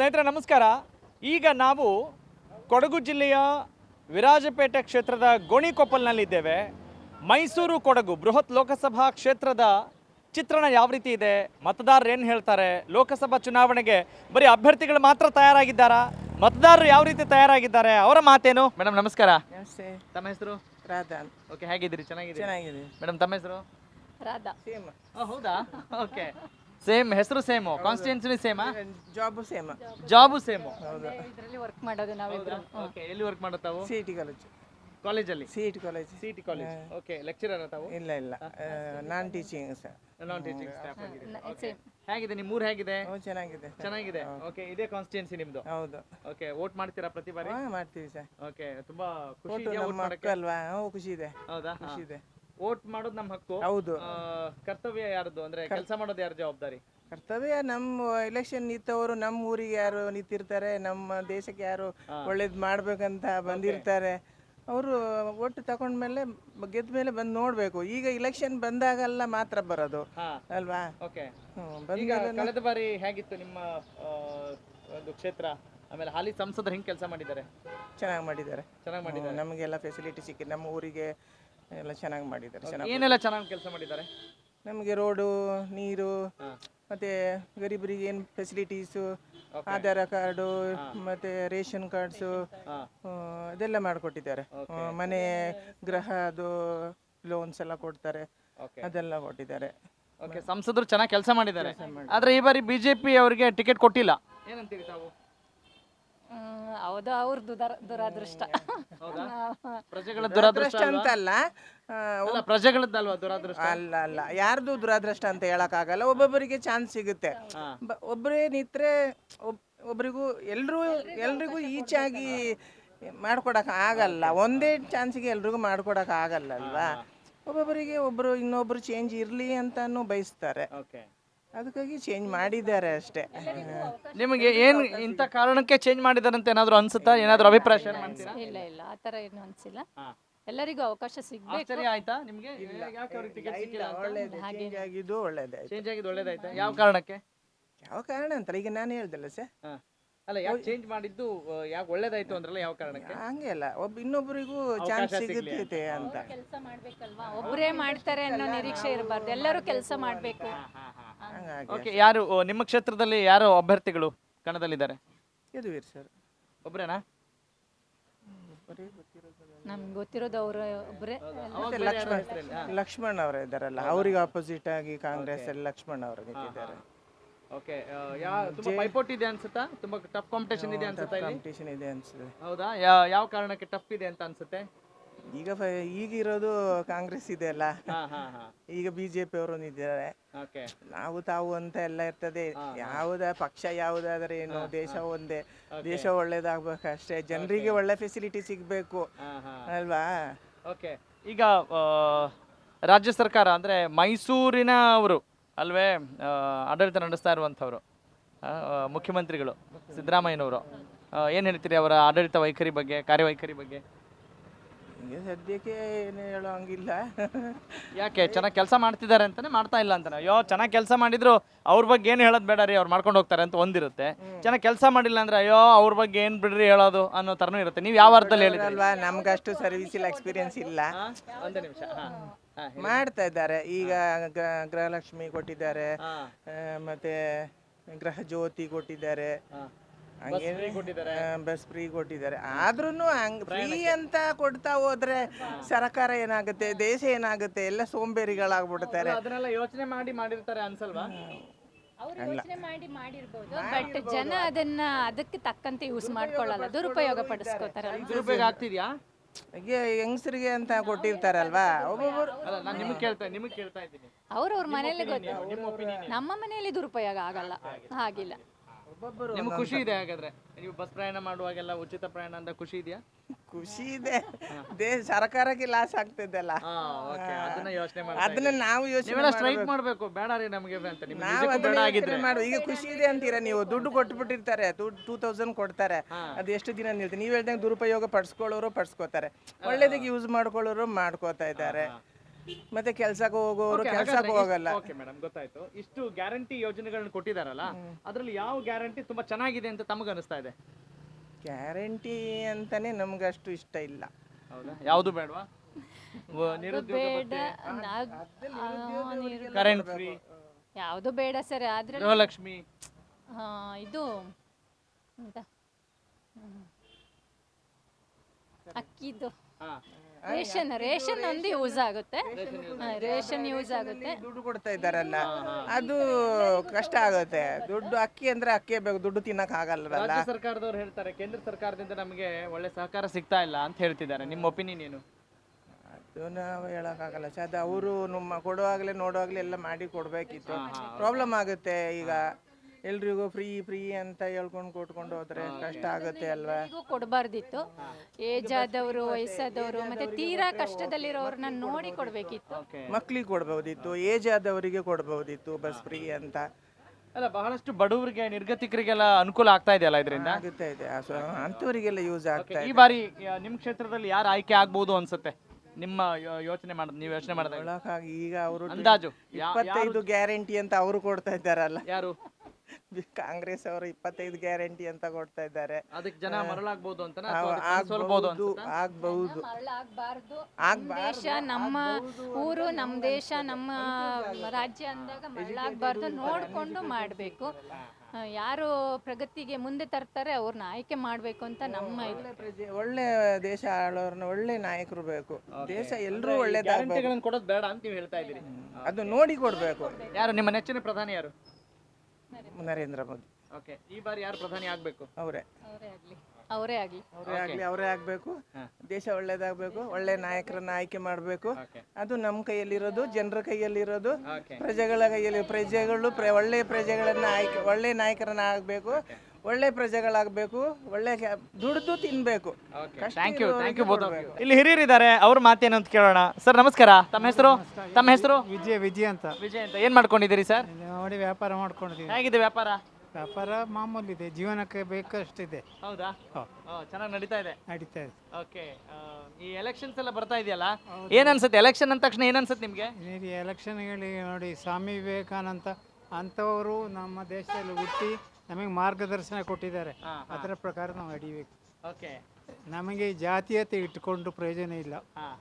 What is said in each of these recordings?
ಸ್ನೇಹಿತರೆ ನಮಸ್ಕಾರ. ಈಗ ನಾವು ಕೊಡಗು ಜಿಲ್ಲೆಯ ವಿರಾಜಪೇಟೆ ಕ್ಷೇತ್ರದ ಗೋಣಿಕೊಪ್ಪಲ್ನಲ್ಲಿದ್ದೇವೆ. ಮೈಸೂರು ಕೊಡಗು ಬೃಹತ್ ಲೋಕಸಭಾ ಕ್ಷೇತ್ರದ ಚಿತ್ರಣ ಯಾವ ರೀತಿ ಇದೆ, ಮತದಾರರು ಏನು ಹೇಳ್ತಾರೆ, ಲೋಕಸಭಾ ಚುನಾವಣೆಗೆ ಬರೀ ಅಭ್ಯರ್ಥಿಗಳು ಮಾತ್ರ ತಯಾರಾಗಿದ್ದಾರಾ, ಮತದಾರರು ಯಾವ ರೀತಿ ತಯಾರಾಗಿದ್ದಾರೆ, ಅವರ ಮಾತೇನು? ಮೇಡಮ್ ನಮಸ್ಕಾರ. ನಮಸ್ತೆ. ತಮ್ಮ ಹೆಸರು? ರಾಧಾ. ಓಕೆ, ಹೇಗಿದ್ದೀರಿ? ಚೆನ್ನಾಗಿದೆ. ಮೇಡಮ್ ತಮ್ಮ ಹೆಸರು? ರಾಧಾ. ಸೇಮ್. ಹೌದಾ? ಓಕೆ, ಸೇಮ್ ಹೆಸರು ಸೇಮು, ಕಾನ್ಸ್ಟಿಟ್ಯೂನ್ಸಿ ಸೇಮಾ? Job same. Job same. ಇದರಲ್ಲಿ ವರ್ಕ್ ಮಾಡೋದು ನಾವಿಬ್ರು. ಓಕೆ, ಎಲ್ಲಿ ವರ್ಕ್ ಮಾಡೋದು ತಾವು? CET college. ಕಾಲೇಜಲ್ಲಿ? CET college. City college. Okay, lecturer ತಾವು? ಇಲ್ಲ non teaching sir. Non teaching staff ಆಗಿದೆ. Okay, Same. ಹೇಗಿದೆ ನಿಮ್ಮ ಊರು, ಹೇಗಿದೆ? ಚೆನ್ನಾಗಿದೆ. ಚೆನ್ನಾಗಿದೆ. ಓಕೆ, ಇದೇ ಕಾನ್ಸ್ಟಿಟ್ಯೂನ್ಸಿ ನಿಮ್ದು? ಹೌದು. ಓಕೆ, ವೋಟ್ ಮಾಡ್ತೀರಾ ಪ್ರತಿ ಬಾರಿ? ಮಾಡ್ತೀವಿ ಸರ್. ಓಕೆ, ತುಂಬಾ ಖುಷಿ ಒಟ್ಟು ಇದೆಯಾ ನಮ್ಮ ವೋಟ್ ಮಕ್ಕಳು ಮಾಡಕ್ಕೆ? ಅಲ್ವಾ? ಖುಷಿ ಇದೆ. ಹೌದಾ? ಖುಷಿ ಇದೆ. ವೋಟ್ ಮಾಡೋದು ನಮ್ಮ ಹಕ್ಕು. ಹೌದು. ಕರ್ತವ್ಯ ಯಾರ್ದು, ಅಂದ್ರೆ ಕೆಲಸ ಮಾಡೋದು ಯಾರ ಜವಾಬ್ದಾರಿ? ಕರ್ತವ್ಯ ನಮ್ಮ ಎಲೆಕ್ಷನ್ ನಿಂತವರು ನಮ್ಮ ಊರಿಗೆ ಯಾರು ನಿಂತಿರ್ತಾರೆ, ನಮ್ಮ ದೇಶಕ್ಕೆ ಯಾರು ಒಳ್ಳೇದು ಮಾಡ್ಬೇಕಂತ ಬಂದಿರ್ತಾರೆ, ಅವರು ಒಟ್ಟು ತಗೊಂಡ್ಮೇಲೆ ಗೆದ್ದ ಮೇಲೆ ಬಂದು ನೋಡ್ಬೇಕು. ಈಗ ಇಲೆಕ್ಷನ್ ಬಂದಾಗೆಲ್ಲ ಮಾತ್ರ ಬರೋದು ಅಲ್ವಾ? ಓಕೆ, ಬಂದ ಈಗ ಕಳೆದ ಬಾರಿ ಹೇಗಿತ್ತು ನಿಮ್ಮ ಒಂದು ಕ್ಷೇತ್ರ? ಆಮೇಲೆ ಹಾಲಿ ಸಂಸದರು ಹೆಂಗ್ ಕೆಲಸ ಮಾಡಿದ್ದಾರೆ? ಚೆನ್ನಾಗಿ ಮಾಡಿದ್ದಾರೆ. ಚೆನ್ನಾಗಿ ಮಾಡಿದ್ದಾರೆ. ನಮಗೆಲ್ಲ ಫೆಸಿಲಿಟಿ ಸಿಕ್ಕಿ ನಮ್ಮ ಊರಿಗೆ ಎಲ್ಲ ಚೆನ್ನಾಗಿ ಮಾಡಿದ್ದಾರೆ. ಏನೆಲ್ಲ ಚೆನ್ನಾಗಿ ಕೆಲಸ ಮಾಡಿದ್ದಾರೆ? ನಮಗೆ ರೋಡು, ನೀರು, ಮತ್ತೆ ಗರೀಬರಿಗೆ ಏನು ಫೆಸಿಲಿಟೀಸು, ಆಧಾರ್ ಕಾರ್ಡು, ಮತ್ತೆ ರೇಷನ್ ಕಾರ್ಡ್ಸು, ಇದೆಲ್ಲ ಮಾಡಿಕೊಟ್ಟಿದ್ದಾರೆ. ಮನೆ ಗೃಹದು ಲೋನ್ಸ್ ಎಲ್ಲ ಕೊಡ್ತಾರೆ, ಅದೆಲ್ಲ ಕೊಟ್ಟಿದ್ದಾರೆ. ಓಕೆ, ಸಂಸದರು ಚೆನ್ನಾಗಿ ಕೆಲಸ ಮಾಡಿದ್ದಾರೆ. ಆದ್ರೆ ಈ ಬಾರಿ ಬಿಜೆಪಿ ಅವರಿಗೆ ಟಿಕೆಟ್ ಕೊಟ್ಟಿಲ್ಲ, ಏನಂತೀರಿ ತಾವು? ಹೌದು, ಅವ್ರದ್ದು ದುರಾದೃಷ್ಟ. ಪ್ರಜೆಗಳ ದುರಾದೃಷ್ಟ ಅಂತಲ್ಲ, ಪ್ರಜೆಗಳದ್ದಲ್ವಾ ದುರಾದೃಷ್ಟ? ಅಲ್ಲ ಯಾರ್ದು ದುರಾದೃಷ್ಟ ಅಂತ ಹೇಳಕ್ಕಾಗಲ್ಲ. ಒಬ್ಬೊಬ್ಬರಿಗೆ ಚಾನ್ಸ್ ಸಿಗುತ್ತೆ. ಒಬ್ಬರೇ ನಿಂತ್ರೆ ಒಬ್ಬರಿಗೂ ಎಲ್ರಿಗೂ ಈಚಾಗಿ ಮಾಡ್ಕೊಡಕ್ ಆಗಲ್ಲ. ಒಂದೇ ಚಾನ್ಸಿಗೆ ಎಲ್ರಿಗೂ ಮಾಡ್ಕೊಡಕ್ ಆಗಲ್ಲ ಅಲ್ವಾ? ಒಬ್ಬೊಬ್ಬರಿಗೆ ಇನ್ನೊಬ್ರು ಚೇಂಜ್ ಇರ್ಲಿ ಅಂತಾನು ಬಯಸ್ತಾರೆ. ಅದಕ್ಕಾಗಿ ಚೇಂಜ್ ಮಾಡಿದ್ದಾರೆ ಅಷ್ಟೇ. ನಿಮಗೆ ಏನು ಇಂಥ ಕಾರಣಕ್ಕೆ ಚೇಂಜ್ ಮಾಡಿದಾರಂತ ಏನಾದ್ರು ಅನ್ಸುತ್ತಾ? ಏನಾದ್ರು ಅಭಿಪ್ರಾಯ ಶೇರ್ ಮಾಡ್ತೀರಾ? ಇಲ್ಲ ಆತರ ಏನು ಅನ್ಸಿಲ್ಲ. ಎಲ್ಲರಿಗೂ ಅವಕಾಶ ಸಿಗ್ಬೇಕು. ಆಶ್ಚರ್ಯ ಆಯ್ತಾ ನಿಮ್ಗೆ? ಯಾಕೆ ಅವ್ರಿಗೆ ಟಿಕೆಟ್ ಸಿಕ್ಕಿಲ್ಲ ಅಂತ? ಚೇಂಜ್ ಆಗಿದ್ದು ಒಳ್ಳೇದೇ. ಚೇಂಜ್ ಆಗಿದ್ದು ಒಳ್ಳೇದಾಯ್ತಾ? ಯಾವ ಕಾರಣಕ್ಕೆ? ಯಾವ ಕಾರಣ ಅಂತಲ್ಲ, ಈಗ ನಾನು ಹೇಳ್ದಲ್ಲ ಸರ್. ಅಲ್ಲ, ಯಾಕೆ ಚೇಂಜ್ ಮಾಡಿದ್ದು, ಯಾಕೆ ಒಳ್ಳೇದಾಯ್ತು ಅಂದ್ರಲ್ಲ, ಯಾವ ಕಾರಣಕ್ಕೆ? ಹಂಗೆ ಅಲ್ಲ, ಇನ್ನೊಬ್ಬರಿಗೂ ಚಾನ್ಸ್ ಸಿಗುತ್ತೆ ಅಂತ. ಕೆಲಸ ಮಾಡ್ಬೇಕಲ್ವಾ? ಒಬ್ಬರೇ ಮಾಡ್ತಾರೆ ಅನ್ನೋ ನಿರೀಕ್ಷೆ ಇರಬಾರ್ದು, ಎಲ್ಲರೂ ಕೆಲಸ ಮಾಡ್ಬೇಕು. ಓಕೆ, ಯಾರು ನಿಮ್ಮ ಕ್ಷೇತ್ರದಲ್ಲಿ ಯಾರು ಅಭ್ಯರ್ಥಿಗಳು ಕಣದಲ್ಲಿದ್ದಾರೆ? ಯದುವೀರ್ ಸರ್ ಒಬ್ರೇನಾ? ನಮ್ಗೆ ಗೊತ್ತಿರೋದು ಅವರು ಒಬ್ಬರೇ. ಲಕ್ಷ್ಮಣ್ ಅವರು ಇದ್ದಾರಲ್ಲ, ಅವ್ರಿಗೆ ಆಪೋಸಿಟ್ ಆಗಿ ಕಾಂಗ್ರೆಸ್ ಅಲ್ಲಿ ಲಕ್ಷ್ಮಣ್ ಅವರು ನಿಂತಿದ್ದಾರೆ. ಓಕೆ, ತುಂಬಾ ಪೈಪೋಟಿ ಇದೆ ಅನ್ಸುತ್ತಾ? ತುಂಬಾ ಟಫ್ ಕಾಂಪಿಟೇಷನ್ ಇದೆ ಅನ್ಸುತ್ತಾ? ಕಾಂಪಿಟೇಷನ್ ಇದೆ ಅನ್ಸುತ್ತೆ. ಹೌದಾ? ಯಾವ ಕಾರಣಕ್ಕೆ ಟಫ್ ಇದೆ ಅಂತ ಅನ್ಸುತ್ತೆ? ಈಗ ಇರೋದು ಕಾಂಗ್ರೆಸ್ ಇದೆ ಅಲ್ಲ, ಈಗ ಬಿಜೆಪಿ ಅವರು ನಿಂತಿದ್ದಾರೆ. ನಾವು ತಾವು ಅಂತ ಎಲ್ಲ ಇರ್ತದೆ. ಪಕ್ಷ ಯಾವುದಾದ್ರೆ ಏನು, ದೇಶ ಒಂದೇ. ದೇಶ ಒಳ್ಳೇದಾಗ್ಬೇಕಷ್ಟೇ, ಜನರಿಗೆ ಒಳ್ಳೆ ಫೆಸಿಲಿಟಿ ಸಿಗ್ಬೇಕು ಅಲ್ವಾ? ಓಕೆ, ಈಗ ರಾಜ್ಯ ಸರ್ಕಾರ ಅಂದ್ರೆ ಮೈಸೂರಿನ ಅವರು ಅಲ್ವೇ ಆಡಳಿತ ನಡೆಸ್ತಾ ಇರುವಂಥವ್ರು, ಮುಖ್ಯಮಂತ್ರಿಗಳು ಸಿದ್ದರಾಮಯ್ಯನವರು, ಏನು ಹೇಳ್ತೀರಿ ಅವರ ಆಡಳಿತ ವೈಖರಿ ಬಗ್ಗೆ, ಕಾರ್ಯವೈಖರಿ ಬಗ್ಗೆ? ಹಿಂಗೆ ಸದ್ಯಕ್ಕೆ ಏನು ಹೇಳೋ ಹಂಗಿಲ್ಲ. ಯಾಕೆ? ಚೆನ್ನಾಗಿ ಕೆಲಸ ಮಾಡ್ತಿದ್ದಾರೆ ಅಂತಾನೆ, ಮಾಡ್ತಾ ಇಲ್ಲ ಅಂತಾನೆ? ಅಯ್ಯೋ, ಚೆನ್ನಾಗಿ ಕೆಲಸ ಮಾಡಿದ್ರು ಅವ್ರ ಬಗ್ಗೆ ಏನು ಹೇಳೋದು ಬೇಡ ರೀ, ಅವ್ರು ಮಾಡ್ಕೊಂಡು ಹೋಗ್ತಾರೆ ಅಂತ ಒಂದಿರುತ್ತೆ. ಚೆನ್ನಾಗಿ ಕೆಲಸ ಮಾಡಿಲ್ಲ ಅಂದ್ರೆ ಅಯ್ಯೋ ಅವ್ರ ಬಗ್ಗೆ ಏನು ಬಿಡ್ರಿ ಹೇಳೋದು ಅನ್ನೋ ಥರನೂ ಇರುತ್ತೆ. ನೀವು ಯಾವ ಅರ್ಥದಲ್ಲಿ ಹೇಳಿದ್ರಲ್ವಾ? ನಮ್ಗಷ್ಟು ಸರ್ವಿಸ್ ಇಲ್ಲ, ಎಕ್ಸ್ಪೀರಿಯನ್ಸ್ ಇಲ್ಲ. ಒಂದು ನಿಮಿಷ ಮಾಡ್ತಾ ಇದ್ದಾರೆ. ಈಗ ಗೃಹಲಕ್ಷ್ಮಿ ಕೊಟ್ಟಿದ್ದಾರೆ, ಮತ್ತೆ ಗೃಹ ಜ್ಯೋತಿ ಕೊಟ್ಟಿದ್ದಾರೆ, ಬಸ್ ಫ್ರೀ ಕೊಟ್ಟಿದ್ದಾರೆ. ಆದ್ರೂ ಫ್ರೀ ಅಂತ ಕೊಡ್ತಾ ಹೋದ್ರೆ ಸರ್ಕಾರ ಏನಾಗುತ್ತೆ, ದೇಶ ಏನಾಗುತ್ತೆ, ಎಲ್ಲ ಸೋಂಬೇರಿಗಳಾಗ್ಬಿಡ್ತಾರೆ. ಅದನ್ನೆಲ್ಲ ಯೋಚನೆ ಮಾಡಿ ಮಾಡಿರ್ತಾರೆ ಅನ್ಸಲ್ವಾ? ಮಾಡಿರ್ಬೋದು, ಬಟ್ ಜನ ಅದನ್ನ ಅದಕ್ಕೆ ತಕ್ಕಂತೆ ಯೂಸ್ ಮಾಡ್ಕೊಳ್ಳಲ್ಲ, ದುರುಪಯೋಗ ಪಡಿಸ್ಕೋತಾರೆ. ದುರುಪಯೋಗ ಆಗ್ತಿದ್ಯಾ? ಹೆಂಗಸರಿಗೆ ಅಂತ ಕೊಟ್ಟಿರ್ತಾರಲ್ವಾ, ಒಬ್ಬೊಬ್ಬರು. ನಿಮಗೆ ಕೇಳ್ತಾ ಇದ್ದೀನಿ. ಅವ್ರವ್ರ ಮನೇಲಿ ಗೊತ್ತು, ನಮ್ಮ ಮನೆಯಲ್ಲಿ ದುರುಪಯೋಗ ಆಗಲ್ಲ, ಹಾಗಿಲ್ಲ. ನಿಮ್ಗೆ ಖುಷಿ ಇದೆ ಹಾಗಾದ್ರೆ? ನೀವು ಬಸ್ ಪ್ರಯಾಣ ಮಾಡುವಾಗೆಲ್ಲ ಉಚಿತ ಪ್ರಯಾಣ ಅಂತ ಖುಷಿ ಇದೆಯಾ? ಖುಷಿ ಇದೆ. ಸರ್ಕಾರಕ್ಕೆ ಲಾಸ್ ಆಗ್ತಿದ್ದಲ್ಲ, ಅದನ್ನ ನಾವು ಯೋಚನೆ ಸ್ಟ್ರೈಕ್ ಮಾಡ್ಬೇಕು. ಬೇಡ ರೀ ನಮಗೆ ಅಂತ ಈಗ ಖುಷಿ ಇದೆ ಅಂತೀರಾ ನೀವು? ದುಡ್ಡು ಕೊಟ್ಬಿಟ್ಟಿರ್ತಾರೆ, 2000 ಕೊಡ್ತಾರೆ, ಅದು ಎಷ್ಟು ದಿನ ನಿಲ್ತೀವಿ? ನೀವು ಹೇಳ್ದಂಗೆ ದುರುಪಯೋಗ ಪಡಿಸ್ಕೊಳ್ಳೋರು ಪಡಿಸ್ಕೋತಾರೆ, ಒಳ್ಳೇದಕ್ಕೆ ಯೂಸ್ ಮಾಡ್ಕೊಳ್ಳೋರು ಮಾಡ್ಕೋತಾ ಇದ್ದಾರೆ. ಮತ್ತೆ ಕೆಲ್ಸಕ್ಕೆ ಹೋಗೋರು ಕೆಲ್ಸಕ್ಕೆ ಹೋಗಲ್ಲ. ಓಕೆ ಮೇಡಮ್, ಗೊತ್ತಾಯ್ತು. ಇಷ್ಟು ಗ್ಯಾರಂಟಿ ಯೋಜನೆಗಳನ್ನ ಕೊಟ್ಟಿದಾರಲ್ಲ, ಅದ್ರಲ್ಲಿ ಯಾವ ಗ್ಯಾರಂಟಿ ತುಂಬಾ ಚೆನ್ನಾಗಿದೆ ಅಂತ ತಮಗೆ ಅನಿಸ್ತಾ ಇದೆ? ಗ್ಯಾರಂಟಿ ಅಂತಾನೆ ನಮ್ಗಷ್ಟು ಇಷ್ಟ ಇಲ್ಲ. ಹೌದಾ? ಯಾವುದು ಬೇಡವಾ? ಬೇಡ, ಕರೆಂಟ್ ಫ್ರೀ, ಯಾವುದು ಬೇಡ ಸರ್. ಆದ್ರೆ ಗೃಹಲಕ್ಷ್ಮಿ, ಇದು ಎಂತ ಅಕ್ಕಿದು ರೇಷನ್ ಒಂದು ಯೂಸ್ ಆಗುತ್ತೆ. ರೇಷನ್ ಯೂಸ್ ಆಗುತ್ತೆ. ದುಡ್ಡು ಕೊಡ್ತಾ ಇದ್ದಾರಲ್ಲ, ಅದು ಕಷ್ಟ ಆಗುತ್ತೆ. ದುಡ್ಡು ಅಕ್ಕಿ ಅಂದ್ರೆ ಅಕ್ಕಿ ಬೇಕು, ದುಡ್ಡು ತಿನ್ನಕ್ ಆಗಲ್ಲ. ರಾಜ್ಯ ಸರ್ಕಾರದವ್ರು ಹೇಳ್ತಾರೆ ಕೇಂದ್ರ ಸರ್ಕಾರದಿಂದ ನಮಗೆ ಒಳ್ಳೆ ಸಹಕಾರ ಸಿಗ್ತಾ ಇಲ್ಲ ಅಂತ ಹೇಳ್ತಿದ್ದಾರೆ. ನಿಮ್ಮ ಒಪಿನಿಯನ್ ಏನು? ಅದು ನಾವು ಹೇಳಕ್ಕಾಗಲ್ಲ ಸರ್. ಅದು ಅವರು ನಮ್ಮ ಕೊಡುವಾಗಲೇ ನೋಡುವಾಗಲೇ ಎಲ್ಲ ಮಾಡಿ ಕೊಡ್ಬೇಕಿತ್ತು. ಪ್ರಾಬ್ಲಮ್ ಆಗುತ್ತೆ. ಈಗ ಎಲ್ರಿಗೂ ಫ್ರೀ ಅಂತ ಹೇಳ್ಕೊಂಡು ಕೊಟ್ಕೊಂಡು ಹೋದ್ರೆ ಕಷ್ಟ ಆಗುತ್ತೆ ಅಲ್ವಾ? ಕೊಡಬಾರ್ದಿತ್ತು. ಏಜ್ ಆದವರು, ವಯಸ್ಸಾದವರು, ಮತ್ತೆ ತೀರಾ ಕಷ್ಟದಲ್ಲಿರೋರ್ನ ನೋಡಿ ಕೊಡ್ಬೇಕಿತ್ತು. ಮಕ್ಳಿಗೆ ಕೊಡ್ಬೋದಿತ್ತು, ಏಜ್ ಆದವರಿಗೆ ಕೊಡ್ಬೋದಿತ್ತು ಬಸ್ ಫ್ರೀ ಅಂತ. ಅಲ್ಲ, ಬಹಳಷ್ಟು ಬಡವರಿಗೆ, ನಿರ್ಗತಿಕರಿಗೆಲ್ಲ ಅನುಕೂಲ ಆಗ್ತಾ ಇದೆಯಲ್ಲ ಇದರಿಂದ? ಆಗುತ್ತಾ ಇದೆ, ಅಂತವರಿಗೆಲ್ಲ ಯೂಸ್ ಆಗ್ತಾ ಈ ಇದೆ. ಬಾರಿ ನಿಮ್ಮ ಕ್ಷೇತ್ರದಲ್ಲಿ ಯಾರು ಆಯ್ಕೆ ಆಗ್ಬಹುದು ಅನ್ಸುತ್ತೆ? ನಿಮ್ಮ ನೀವು ಯೋಚನೆ ಮಾಡಿದಾಗ ಈಗ ಅವರು ಅಂದಾಜು 25 ಗ್ಯಾರಂಟಿ ಅಂತ ಅವರು ಕೊಡ್ತಾ ಇದ್ದಾರಲ್ಲ. ಯಾರು? ಕಾಂಗ್ರೆಸ್ ಅವರು 25 ಗ್ಯಾರಂಟಿ ಅಂತ ಕೊಡ್ತಾ ಇದ್ದಾರೆ. ಅದಕ್ಕೆ ಜನ ಮರಳಾಗಬಹುದು ಅಂತ ಆಗ್ಬಹುದು. ದೇಶ ನಮ್ಮ ಊರು, ನಮ್ಮ ದೇಶ, ನಮ್ಮ ರಾಜ್ಯ ಅಂದಾಗ ಮರಳಾಗಬಾರ್ದು. ನೋಡ್ಕೊಂಡು ಮಾಡಬೇಕು. ಯಾರು ಪ್ರಗತಿಗೆ ಮುಂದೆ ತರ್ತಾರೆ ಅವ್ರನ್ನ ಆಯ್ಕೆ ಮಾಡಬೇಕು ಅಂತ ನಮ್ಮ ಇದು. ಒಳ್ಳೆ ದೇಶ ಆಳೋರ್ನ ಒಳ್ಳೆ ನಾಯಕರು ಬೇಕು. ದೇಶ ಎಲ್ಲರೂ ಒಳ್ಳೆದಾಗಬೇಕು. ಕೊಡೋದು ಬೇಡ ಅಂತ ನೀವು ಹೇಳ್ತಾ ಇದ್ದೀರಿ. ಅದು ನೋಡಿ ಕೊಡ್ಬೇಕು. ಯಾರು ನಿಮ್ಮ ನೆಚ್ಚಿನ ಪ್ರಧಾನಿ? ಯಾರು? ನರೇಂದ್ರ ಮೋದಿ. ಓಕೆ, ಈ ಬಾರಿ ಯಾರು ಪ್ರಧಾನಿ ಆಗ್ಬೇಕು? ಅವರೇ ಆಗ್ಬೇಕು. ದೇಶ ಒಳ್ಳೇದಾಗಬೇಕು. ಒಳ್ಳೆ ನಾಯಕರನ್ನ ಆಯ್ಕೆ ಮಾಡಬೇಕು. ಅದು ನಮ್ಮ ಕೈಯಲ್ಲಿರೋದು, ಜನರ ಕೈಯಲ್ಲಿರೋದು, ಪ್ರಜೆಗಳ ಕೈಯಲ್ಲಿ. ಒಳ್ಳೆ ಪ್ರಜೆಗಳನ್ನ ಒಳ್ಳೆ ನಾಯಕರನ್ನ ಆಗ್ಬೇಕು. ಒಳ್ಳೆ ಪ್ರಜೆಗಳಾಗಬೇಕು. ಒಳ್ಳೆ ದುಡ್ದು ತಿನ್ಬೇಕು. Thank you. ಇಲ್ಲಿ ಹಿರಿಯರಿದ್ದಾರೆ, ಅವ್ರ ಮಾತೇನು ಅಂತ ಕೇಳೋಣ. ಸರ್ ನಮಸ್ಕಾರ. ತಮ್ಮ ಹೆಸರು? ವಿಜಯ್ ಅಂತ. ಏನ್ ಮಾಡ್ಕೊಂಡಿದ್ದೀರಿ ಸರ್? ನೋಡಿ, ವ್ಯಾಪಾರ ಮಾಡ್ಕೊಂಡಿದ್ದೀವಿ. ಹೇಗಿದೆ ವ್ಯಾಪಾರ? ವ್ಯಾಪಾರ ಮಾಮೂಲಿ ಇದೆ, ಜೀವನಕ್ಕೆ ಬೇಕಷ್ಟಿದೆ. ಹೌದಾ? ಚೆನ್ನಾಗಿ ನಡೀತಾ ಇದೆ. ಓಕೆ, ಈ ಎಲೆಕ್ಷನ್ಸ್ ಎಲ್ಲ ಬರ್ತಾ ಇದೆಯಲ್ಲ, ಏನ್ ಅನ್ಸುತ್ತೆ? ಎಲೆಕ್ಷನ್ ಅಂದ ತಕ್ಷಣ ಏನ್ ಅನ್ಸುತ್ತೆ ನಿಮ್ಗೆ? ಎಲೆಕ್ಷನ್ ಹೇಳಿ ನೋಡಿ, ಸ್ವಾಮಿ ವಿವೇಕಾನಂದ ಅಂತವರು ನಮ್ಮ ದೇಶದಲ್ಲಿ ಹುಟ್ಟಿ ನಮಗೆ ಮಾರ್ಗದರ್ಶನ ಕೊಟ್ಟಿದ್ದಾರೆ. ಅದರ ಪ್ರಕಾರ ನಾವು ನಡಿಬೇಕು. ನಮಗೆ ಜಾತೀಯತೆ ಇಟ್ಟುಕೊಂಡು ಪ್ರಯೋಜನ ಇಲ್ಲ,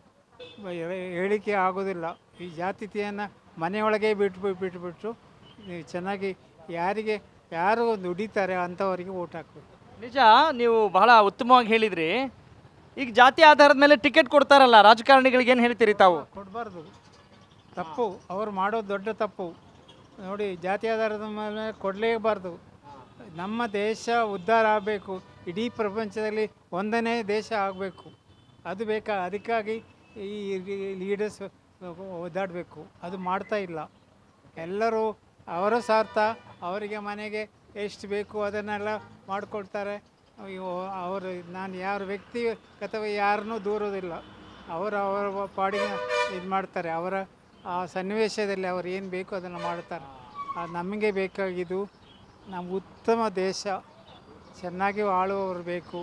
ಹೇಳಿಕೆ ಆಗೋದಿಲ್ಲ. ಈ ಜಾತೀಯತೆಯನ್ನು ಮನೆಯೊಳಗೆ ಬಿಟ್ಬಿಟ್ಟು ಚೆನ್ನಾಗಿ ಯಾರು ದುಡಿತಾರೆ ಅಂಥವರಿಗೆ ಓಟ್ ಹಾಕಬೇಕು. ನಿಜ, ನೀವು ಬಹಳ ಉತ್ತಮವಾಗಿ ಹೇಳಿದ್ರಿ. ಈಗ ಜಾತಿ ಆಧಾರದ ಮೇಲೆ ಟಿಕೆಟ್ ಕೊಡ್ತಾರಲ್ಲ ರಾಜಕಾರಣಿಗಳಿಗೆ, ಏನು ಹೇಳ್ತೀರಿ ತಾವು? ಕೊಡಬಾರ್ದು, ತಪ್ಪು. ಅವ್ರು ಮಾಡೋದು ದೊಡ್ಡ ತಪ್ಪು. ನೋಡಿ, ಜಾತಿ ಆಧಾರದ ಮೇಲೆ ಕೊಡಲೇಬಾರ್ದು. ನಮ್ಮ ದೇಶ ಉದ್ಧಾರ ಆಗಬೇಕು, ಇಡೀ ಪ್ರಪಂಚದಲ್ಲಿ ಒಂದನೇ ದೇಶ ಆಗಬೇಕು. ಅದು ಅದಕ್ಕಾಗಿ ಈ ಲೀಡರ್ಸ್ ಓದಾಡಬೇಕು. ಅದು ಮಾಡ್ತಾ ಇಲ್ಲ. ಎಲ್ಲರೂ ಅವರ ಸ್ವಾರ್ಥ, ಅವರಿಗೆ ಮನೆಗೆ ಎಷ್ಟು ಬೇಕು ಅದನ್ನೆಲ್ಲ ಮಾಡಿಕೊಡ್ತಾರೆ. ಅವರು ನಾನು ಯಾರ ವ್ಯಕ್ತಿಗತವಾಗಿ ಯಾರನ್ನೂ ದೂರೋದಿಲ್ಲ. ಅವರ ಪಾಡಿಗೆ ಇದು ಮಾಡ್ತಾರೆ. ಅವರ ಆ ಸನ್ನಿವೇಶದಲ್ಲಿ ಅವರು ಏನು ಬೇಕು ಅದನ್ನು ಮಾಡ್ತಾರೆ. ಅದು ನಮಗೆ ಬೇಕಾಗಿದ್ದು ನಮ್ಮ ಉತ್ತಮ ದೇಶ, ಚೆನ್ನಾಗಿ ಆಳುವವರು ಬೇಕು.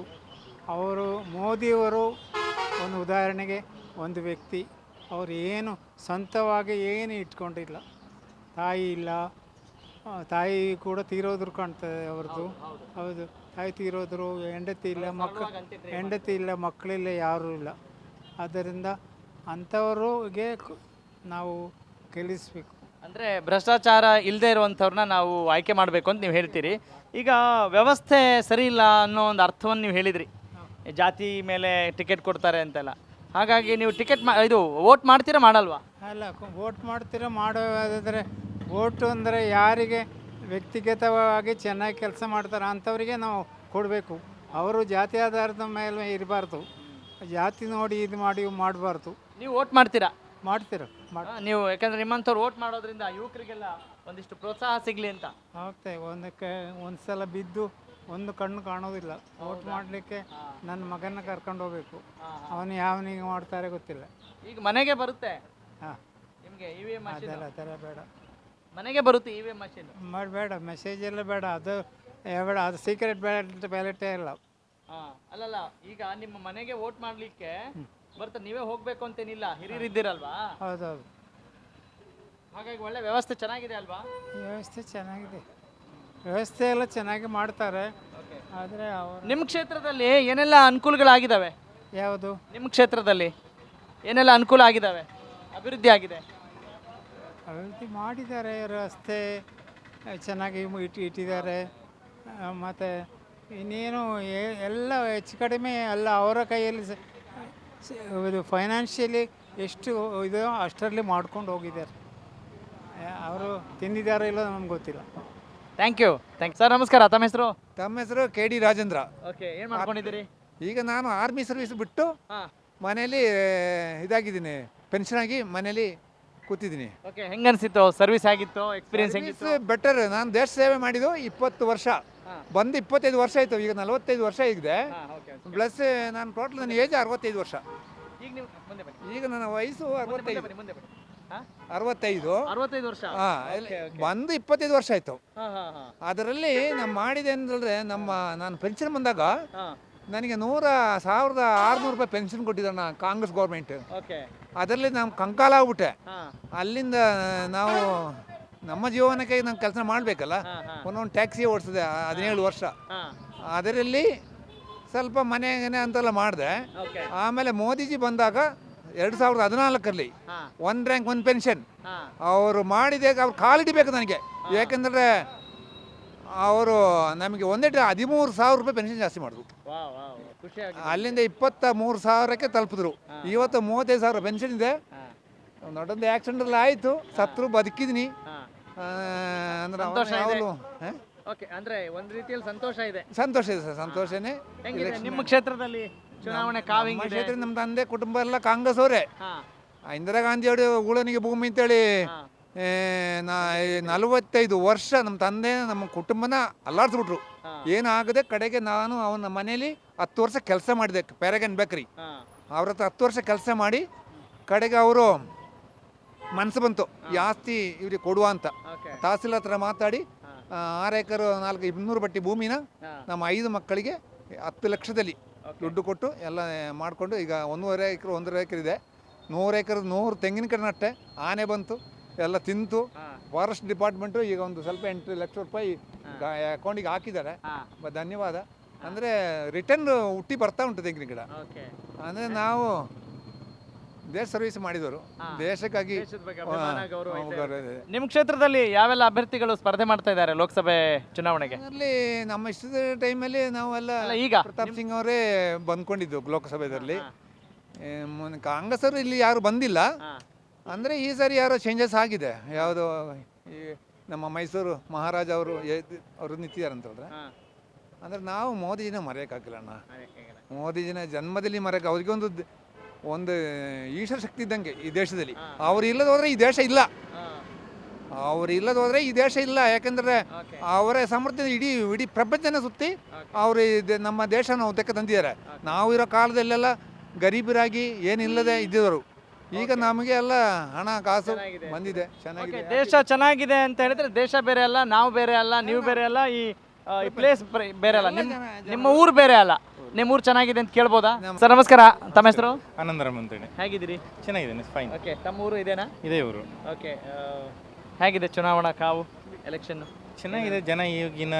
ಮೋದಿಯವರು ಒಂದು ಉದಾಹರಣೆಗೆ ಒಂದು ವ್ಯಕ್ತಿ. ಅವರು ಏನು ಸ್ವಂತವಾಗಿ ಏನು ಇಟ್ಕೊಂಡಿಲ್ಲ. ತಾಯಿ ಇಲ್ಲ, ತಾಯಿ ಕೂಡ ತೀರೋದ್ರು ಕಾಣ್ತದೆ ಅವ್ರದ್ದು. ಹೌದು, ತಾಯಿ ತೀರೋದ್ರು. ಹೆಂಡತಿ ಇಲ್ಲ, ಮಕ್ಕಳಿಲ್ಲ, ಯಾರೂ ಇಲ್ಲ. ಆದ್ದರಿಂದ ಅಂಥವ್ರಿಗೆ ನಾವು ಗೆಲ್ಲಿಸಬೇಕು. ಅಂದರೆ ಭ್ರಷ್ಟಾಚಾರ ಇಲ್ಲದೆ ಇರುವಂಥವ್ರನ್ನ ನಾವು ಆಯ್ಕೆ ಮಾಡಬೇಕು ಅಂತ ನೀವು ಹೇಳ್ತೀರಿ. ಈಗ ವ್ಯವಸ್ಥೆ ಸರಿ ಇಲ್ಲ ಅನ್ನೋ ಒಂದು ಅರ್ಥವನ್ನು ನೀವು ಹೇಳಿದ್ರಿ, ಜಾತಿ ಮೇಲೆ ಟಿಕೆಟ್ ಕೊಡ್ತಾರೆ ಅಂತೆಲ್ಲ. ಹಾಗಾಗಿ ನೀವು ವೋಟ್ ಮಾಡ್ತೀರಾ ಮಾಡಲ್ವಾ? ಅಲ್ಲ, ವೋಟ್ ಮಾಡ್ತೀರಾ ಮಾಡೋದಾದರೆ ವೋಟು ಅಂದರೆ ಯಾರಿಗೆ ವ್ಯಕ್ತಿಗತವಾಗಿ ಚೆನ್ನಾಗಿ ಕೆಲಸ ಮಾಡ್ತಾರೆ ಅಂಥವರಿಗೆ ನಾವು ಕೊಡಬೇಕು. ಅವರು ಜಾತಿ ಆಧಾರದ ಮೇಲೆ ಇರಬಾರ್ದು. ಜಾತಿ ನೋಡಿ ಇದು ಮಾಡಬಾರ್ದು. ನೀವು ವೋಟ್ ಮಾಡ್ತೀರಾ? ಮಾಡ್ತೀರ ನೀವು, ಯಾಕಂದ್ರೆ ನಿಮ್ಮಂಥವ್ರು ವೋಟ್ ಮಾಡೋದ್ರಿಂದ ಯುವಕರಿಗೆಲ್ಲ ಒಂದಿಷ್ಟು ಪ್ರೋತ್ಸಾಹ ಸಿಗಲಿ ಅಂತ. ಆಗ್ತದೆ. ಒಂದು ಸಲ ಬಿದ್ದು ಒಂದು ಕಣ್ಣು ಕಾಣೋದಿಲ್ಲ. ವೋಟ್ ಮಾಡಲಿಕ್ಕೆ ನನ್ನ ಮಗನ ಕರ್ಕೊಂಡು ಹೋಗ್ಬೇಕು. ಅವನು ಯಾವನಿಗೆ ಮಾಡ್ತಾರೆ ಗೊತ್ತಿಲ್ಲ. ಈಗ ಮನೆಗೆ ಬರುತ್ತೆ. ಹಾಂ, ನಿಮಗೆ EVM ಮಷೀನ್ ಅದೆಲ್ಲ ಬೇಡ. ಮನೆಗೆ ಬರುತ್ತೆ EVM ಮಷೀನ್. ಮಾಡಬೇಡ, ಮೆಸೇಜ್ ಎಲ್ಲ ಬೇಡ. ಅದು ಬೇಡ, ಅದು ಸೀಕ್ರೆಟ್ ಬ್ಯಾಲೆಟೇ ಇಲ್ಲ. ಅಲ್ಲಲ್ಲ, ಈಗ ನಿಮ್ಮ ಮನೆಗೆ ವೋಟ್ ಮಾಡಲಿಕ್ಕೆ ಬರ್ತಾರೆ, ನೀವೇ ಹೋಗ್ಬೇಕು ಅಂತೇನಿಲ್ಲ, ಹಿರಿಯರಿದ್ದೀರಲ್ವಾ, ಹೌದೌದು, ಹಾಗಾಗಿ ಒಳ್ಳೆ ವ್ಯವಸ್ಥೆ ಚೆನ್ನಾಗಿದೆ ಅಲ್ವಾ? ವ್ಯವಸ್ಥೆ ಚೆನ್ನಾಗಿದೆ, ವ್ಯವಸ್ಥೆ ಎಲ್ಲ ಚೆನ್ನಾಗಿ ಮಾಡ್ತಾರೆ. ಆದರೆ ಅವರು ನಿಮ್ಮ ಕ್ಷೇತ್ರದಲ್ಲಿ ಏನೆಲ್ಲ ಅನುಕೂಲಗಳಾಗಿದ್ದಾವೆ? ಯಾವುದು ನಿಮ್ಮ ಕ್ಷೇತ್ರದಲ್ಲಿ ಏನೆಲ್ಲ ಅನುಕೂಲ ಆಗಿದ್ದಾವೆ, ಅಭಿವೃದ್ಧಿ ಆಗಿದೆ? ಅಭಿವೃದ್ಧಿ ಮಾಡಿದ್ದಾರೆ, ರಸ್ತೆ ಚೆನ್ನಾಗಿ ಇಟ್ಟಿದ್ದಾರೆ. ಮತ್ತು ಇನ್ನೇನು ಎಲ್ಲ ಹೆಚ್ಚು ಕಡಿಮೆ ಎಲ್ಲ ಅವರ ಕೈಯಲ್ಲಿ ಇದು ಫೈನಾನ್ಷಿಯಲಿ ಎಷ್ಟು ಇದೋ ಅಷ್ಟರಲ್ಲಿ ಮಾಡ್ಕೊಂಡು ಹೋಗಿದ್ದಾರೆ. ಅವರು ತಿಂದಿದ್ದಾರೋ ಇಲ್ಲೋ ನಮ್ಗೆ ಗೊತ್ತಿಲ್ಲ. Thank you sir. ನಮಸ್ಕಾರ, ತಮ್ಮ ಹೆಸರು? ತಮ್ಮ ಹೆಸರು KD ರಾಜೇಂದ್ರ. ಓಕೆ, ಏನು ಮಾಡ್ಕೊಂಡಿದ್ದೀರಿ? ಈಗ ನಾನು ಆರ್ಮಿ ಸರ್ವಿಸ್ ಬಿಟ್ಟು ಹಾಂ, ಮನೇಲಿ ಇದಾಗಿದ್ದೀನಿ, ಪೆನ್ಷನ್ ಆಗಿ ಮನೇಲಿ ಕೂತಿದ್ದೀನಿ. ಓಕೆ, ಹೆಂಗೆ ಅನಿಸಿತ್ತು ಸರ್ವಿಸ್? ಆಗಿತ್ತು ಎಕ್ಸ್ಪೀರಿಯನ್ಸ್ ಹೆಂಗಿತ್ತು? ಬೆಟರ್. ನಾನು ದೇಶ ಸೇವೆ ಮಾಡಿದ್ದು 20 ವರ್ಷ, ಹಾಂ. ಬಂದು 25 ವರ್ಷ ಆಯಿತು. ಈಗ 45 ವರ್ಷ ಇದೆ. ಹಾಂ, ಓಕೆ. ಪ್ಲಸ್ ನಾನು ಟೋಟಲ್ ನನ್ನ ಏಜ್ 65 ವರ್ಷ. ಈಗ ನೀವು ಮುಂದೆ ಬನ್ನಿ, ಈಗ ನನ್ನ ವಯಸ್ಸು ಮುಂದೆ 65. ಬನ್ನಿ, ಮುಂದೆ ಬನ್ನಿ. ಹಾಂ, 65. 65 ವರ್ಷ. ಹಾಂ, ಬಂದು 25 ವರ್ಷ ಆಯಿತು. ಹಾಂ ಹಾಂ ಹಾಂ ಅದರಲ್ಲಿ ನಾನು ಮಾಡಿದೆ ಅಂತಂದರೆ ನಾನು ಪೆನ್ಷನ್ ಬಂದಾಗ ಹಾಂ, ನನಗೆ 1,600 ರೂಪಾಯಿ ಪೆನ್ಷನ್ ಕೊಟ್ಟಿದ್ದ ಕಾಂಗ್ರೆಸ್ ಗೌರ್ಮೆಂಟ್. ಓಕೆ. ಅದರಲ್ಲಿ ನಾನು ಕಂಕಾಲ ಆಗ್ಬಿಟ್ಟೆ. ಹಾಂ ಅಲ್ಲಿಂದ ನಾವು ನಮ್ಮ ಜೀವನಕ್ಕೆ ನಾವು ಕೆಲಸ ಮಾಡಬೇಕಲ್ಲ. ಹಾಂ ಹಾಂ ಒಂದೊಂದು ಟ್ಯಾಕ್ಸಿ ಓಡಿಸಿದೆ 17 ವರ್ಷ. ಹಾಂ, ಅದರಲ್ಲಿ ಸ್ವಲ್ಪ ಮನೆಗೆ ಅಂತೆಲ್ಲ ಮಾಡಿದೆ. ಓಕೆ. ಆಮೇಲೆ ಮೋದಿಜಿ ಬಂದಾಗ 2014ರಲ್ಲಿ ಹಾಂ 1 ರ್ಯಾಂಕ್ 1 ಪೆನ್ಷನ್ ಹಾಂ ಅವರು ಮಾಡಿದಾಗ ಅವ್ರು ಕಾಲಿಡಬೇಕು ನನಗೆ. ಯಾಕೆಂದರೆ ಅವರು ನಮಗೆ 13,000 ರೂಪಾಯಿ ಪೆನ್ಷನ್ ಜಾಸ್ತಿ ಮಾಡಿದ್ರು. ವಾವ್ ವಾವ್, ಖುಷಿ ಆಗಿದೆ. ಅಲ್ಲಿಂದ 23,000ಕ್ಕೆ ತಲುಪಿದ್ರು. ಇವತ್ತು 35,000 ಪೆನ್ಷನ್ ಇದೆ. ಹಾಂ ದೊಡ್ಡೊಂದು ಆಕ್ಸಿಡೆಂಟಲ್ಲಿ ಆಯಿತು, ಸತ್ರು, ಬದುಕಿದ್ದೀನಿ. ಹಾಂ, ಅಂದ್ರೆ ಸಂತೋಷ ಇದೆ. ಯಾವಾಗಲೂ ಓಕೆ. ಅಂದ್ರೆ ಒಂದು ರೀತಿಯಲ್ಲಿ ಸಂತೋಷ ಇದೆ. ಸಂತೋಷ ಇದೆ ಸರ್, ಸಂತೋಷನೇ. ಹೆಂಗಿದೆ ನಿಮ್ಮ ಕ್ಷೇತ್ರದಲ್ಲಿ ಚುನಾವಣೆ ಕಾವು ನಮ್ಮ ಹೆಂಗಿದೆ? ಕ್ಷೇತ್ರ ನಮ್ಮ ತಂದೆ ಕುಟುಂಬ ಎಲ್ಲ ಕಾಂಗ್ರೆಸ್ ಅವರೇ. ಹಾಂ ಇಂದಿರಾ ಗಾಂಧಿ ಅವರು ಉಳನಿಗೆ ಭೂಮಿ ಅಂತೇಳಿ ಹಾಂ 45 ವರ್ಷ ನಮ್ಮ ತಂದೆ ನಮ್ಮ ಕುಟುಂಬನ ಅಲ್ಲಾಡಿಸ್ಬಿಟ್ರು. ಹಾಂ ಏನಾಗದೆ ಕಡೆಗೆ ನಾನು ಅವನ ಮನೇಲಿ 10 ವರ್ಷ ಕೆಲಸ ಮಾಡಿದೆ, ಪ್ಯಾರಗನ್ ಬೇಕರಿ. ಹಾಂ ಅವ್ರ ಹತ್ರ 10 ವರ್ಷ ಕೆಲಸ ಮಾಡಿ ಕಡೆಗೆ ಅವರು ಮನಸ್ಸು ಬಂತು ಈ ಆಸ್ತಿ ಇವ್ರಿಗೆ ಕೊಡುವ ಅಂತ. ಓಕೆ. ತಹಸೀಲ್ ಹತ್ರ ಮಾತಾಡಿ ಹಾಂ 6 ಎಕರೆ 200 ಬಟ್ಟಿ ಭೂಮಿನ ಹಾಂ ನಮ್ಮ 5 ಮಕ್ಕಳಿಗೆ 10 ಲಕ್ಷದಲ್ಲಿ ಓಕೆ. ದುಡ್ಡು ಕೊಟ್ಟು ಎಲ್ಲ ಮಾಡಿಕೊಂಡು ಈಗ 1.5 ಎಕರೆ 1.5 ಎಕರೆ ಇದೆ. 100 ಎಕರೆ 100 ತೆಂಗಿನಕಾಯಿ ನಟ್ಟೆ. ಆನೆ ಬಂತು, ಎಲ್ಲ ತಿಂತು. ಹಾಂ ಫಾರೆಸ್ಟ್ ಡಿಪಾರ್ಟ್ಮೆಂಟು ಈಗ ಒಂದು ಸ್ವಲ್ಪ 8 ಲಕ್ಷ ರೂಪಾಯಿ ಅಕೌಂಟಿಗೆ ಹಾಕಿದ್ದಾರೆ. ಹಾಂ ಧನ್ಯವಾದ. ಅಂದರೆ ರಿಟರ್ನ್ ಹುಟ್ಟಿ ಬರ್ತಾ ಉಂಟು ತೆಂಗಿನ ಗಿಡ. ಓಕೆ. ಅಂದರೆ ನಾವು ದೇಶ ಸರ್ವಿಸ್ ಮಾಡಿದವರು, ದೇಶಕ್ಕಾಗಿ ದೇಶದ ಬಗ್ಗೆ ಅಭಿಮಾನ, ಗೌರವ ಇದೆ. ಗೌರವ ಇದೆ. ನಿಮ್ಮ ಕ್ಷೇತ್ರದಲ್ಲಿ ಯಾವೆಲ್ಲ ಅಭ್ಯರ್ಥಿಗಳು ಸ್ಪರ್ಧೆ ಮಾಡ್ತಾ ಇದ್ದಾರೆ ಲೋಕಸಭೆ ಚುನಾವಣೆಗೆ? ಅದರಲ್ಲಿ ನಮ್ಮ ಇಷ್ಟದ ಟೈಮಲ್ಲಿ ನಾವೆಲ್ಲ ಅಲ್ಲ, ಈಗ ಪ್ರತಾಪ್ ಸಿಂಗ್ ಅವರೇ ಬಂದ್ಕೊಂಡಿದ್ದು ಲೋಕಸಭೆಯಲ್ಲಿ. ಹಾಂ ಕಾಂಗ್ರೆಸ್ ಅವರು ಇಲ್ಲಿ ಯಾರು ಬಂದಿಲ್ಲ. ಹಾಂ ಅಂದರೆ ಈ ಸಾರಿ ಯಾರೋ ಚೇಂಜಸ್ ಆಗಿದೆ. ಯಾವುದು ಈ ನಮ್ಮ ಮೈಸೂರು ಮಹಾರಾಜ ಅವರು ಅವರು ನಿಂತಿದ್ದಾರೆ ಅಂತ ಹೇಳಿದ್ರೆ, ಹಾಂ ಅಂದರೆ ನಾವು ಮೋದಿಜಿನ ಮರೆಯೋಕ್ಕಾಗಿಲ್ಲ ಅಣ್ಣ. ಅದಕ್ಕೆ ಮೋದಿಜಿನ ಜನ್ಮದಲ್ಲಿ ಮರೆಯೋಕೆ ಅವ್ರಿಗೆ ಒಂದು ಈಶ್ವರ ಶಕ್ತಿ ಇದ್ದಂಗೆ ಈ ದೇಶದಲ್ಲಿ. ಅವ್ರು ಇಲ್ಲದ ಹೋದರೆ ಈ ದೇಶ ಇಲ್ಲ. ಹಾಂ ಅವ್ರು ಇಲ್ಲದ ಹೋದರೆ ಈ ದೇಶ ಇಲ್ಲ. ಯಾಕೆಂದರೆ ಓಕೆ. ಅವರ ಸಾಮರ್ಥ್ಯ ಇಡೀ ಪ್ರಪಂಚನ ಸುತ್ತಿ ಅವರು ನಮ್ಮ ದೇಶನ ಉದ್ದಕ್ಕೆ ತಂದಿದ್ದಾರೆ. ನಾವು ಇರೋ ಕಾಲದಲ್ಲೆಲ್ಲ ಗರೀಬರಾಗಿ ಏನಿಲ್ಲದೆ ಇದ್ದಿದ್ರು. ಈಗ ನಮಗೆ ಎಲ್ಲ ಹಣ ಕಾಸು ಚೆನ್ನಾಗಿದೆ. ಬಂದಿದೆ, ಓಕೆ. ಚೆನ್ನಾಗಿದೆ. ದೇಶ ಚೆನ್ನಾಗಿದೆ ಅಂತ ಹೇಳಿದ್ರೆ ದೇಶ ಬೇರೆ ಅಲ್ಲ, ನಾವು ಬೇರೆ ಅಲ್ಲ, ನೀವು ಬೇರೆ ಅಲ್ಲ, ಈ ಪ್ಲೇಸ್ ಬೇರೆ ಅಲ್ಲ, ನಿಮ್ಮ ಊರು ಬೇರೆ ಅಲ್ಲ. ನಿಮ್ಮ ಊರು ಚೆನ್ನಾಗಿದೆ ಅಂತ ಕೇಳ್ಬೋದಾ? ಸರ್ ನಮಸ್ಕಾರ, ತಮ್ಮ ಹೆಸರು? ಆನಂದರಾಮ್ ಅಂತೇಳಿ. ಹೇಗಿದ್ದೀರಿ? ಚೆನ್ನಾಗಿದ್ದೇನೆ, ಫೈನ್. ಓಕೆ. ತಮ್ಮ ಊರು ಇದೇನಾ? ಇದೇ ಊರು. ಓಕೆ. ಹೇಗಿದೆ ಚುನಾವಣಾ ಕಾವು, ಎಲೆಕ್ಷನ್? ಚೆನ್ನಾಗಿದೆ. ಜನ ಈಗಿನ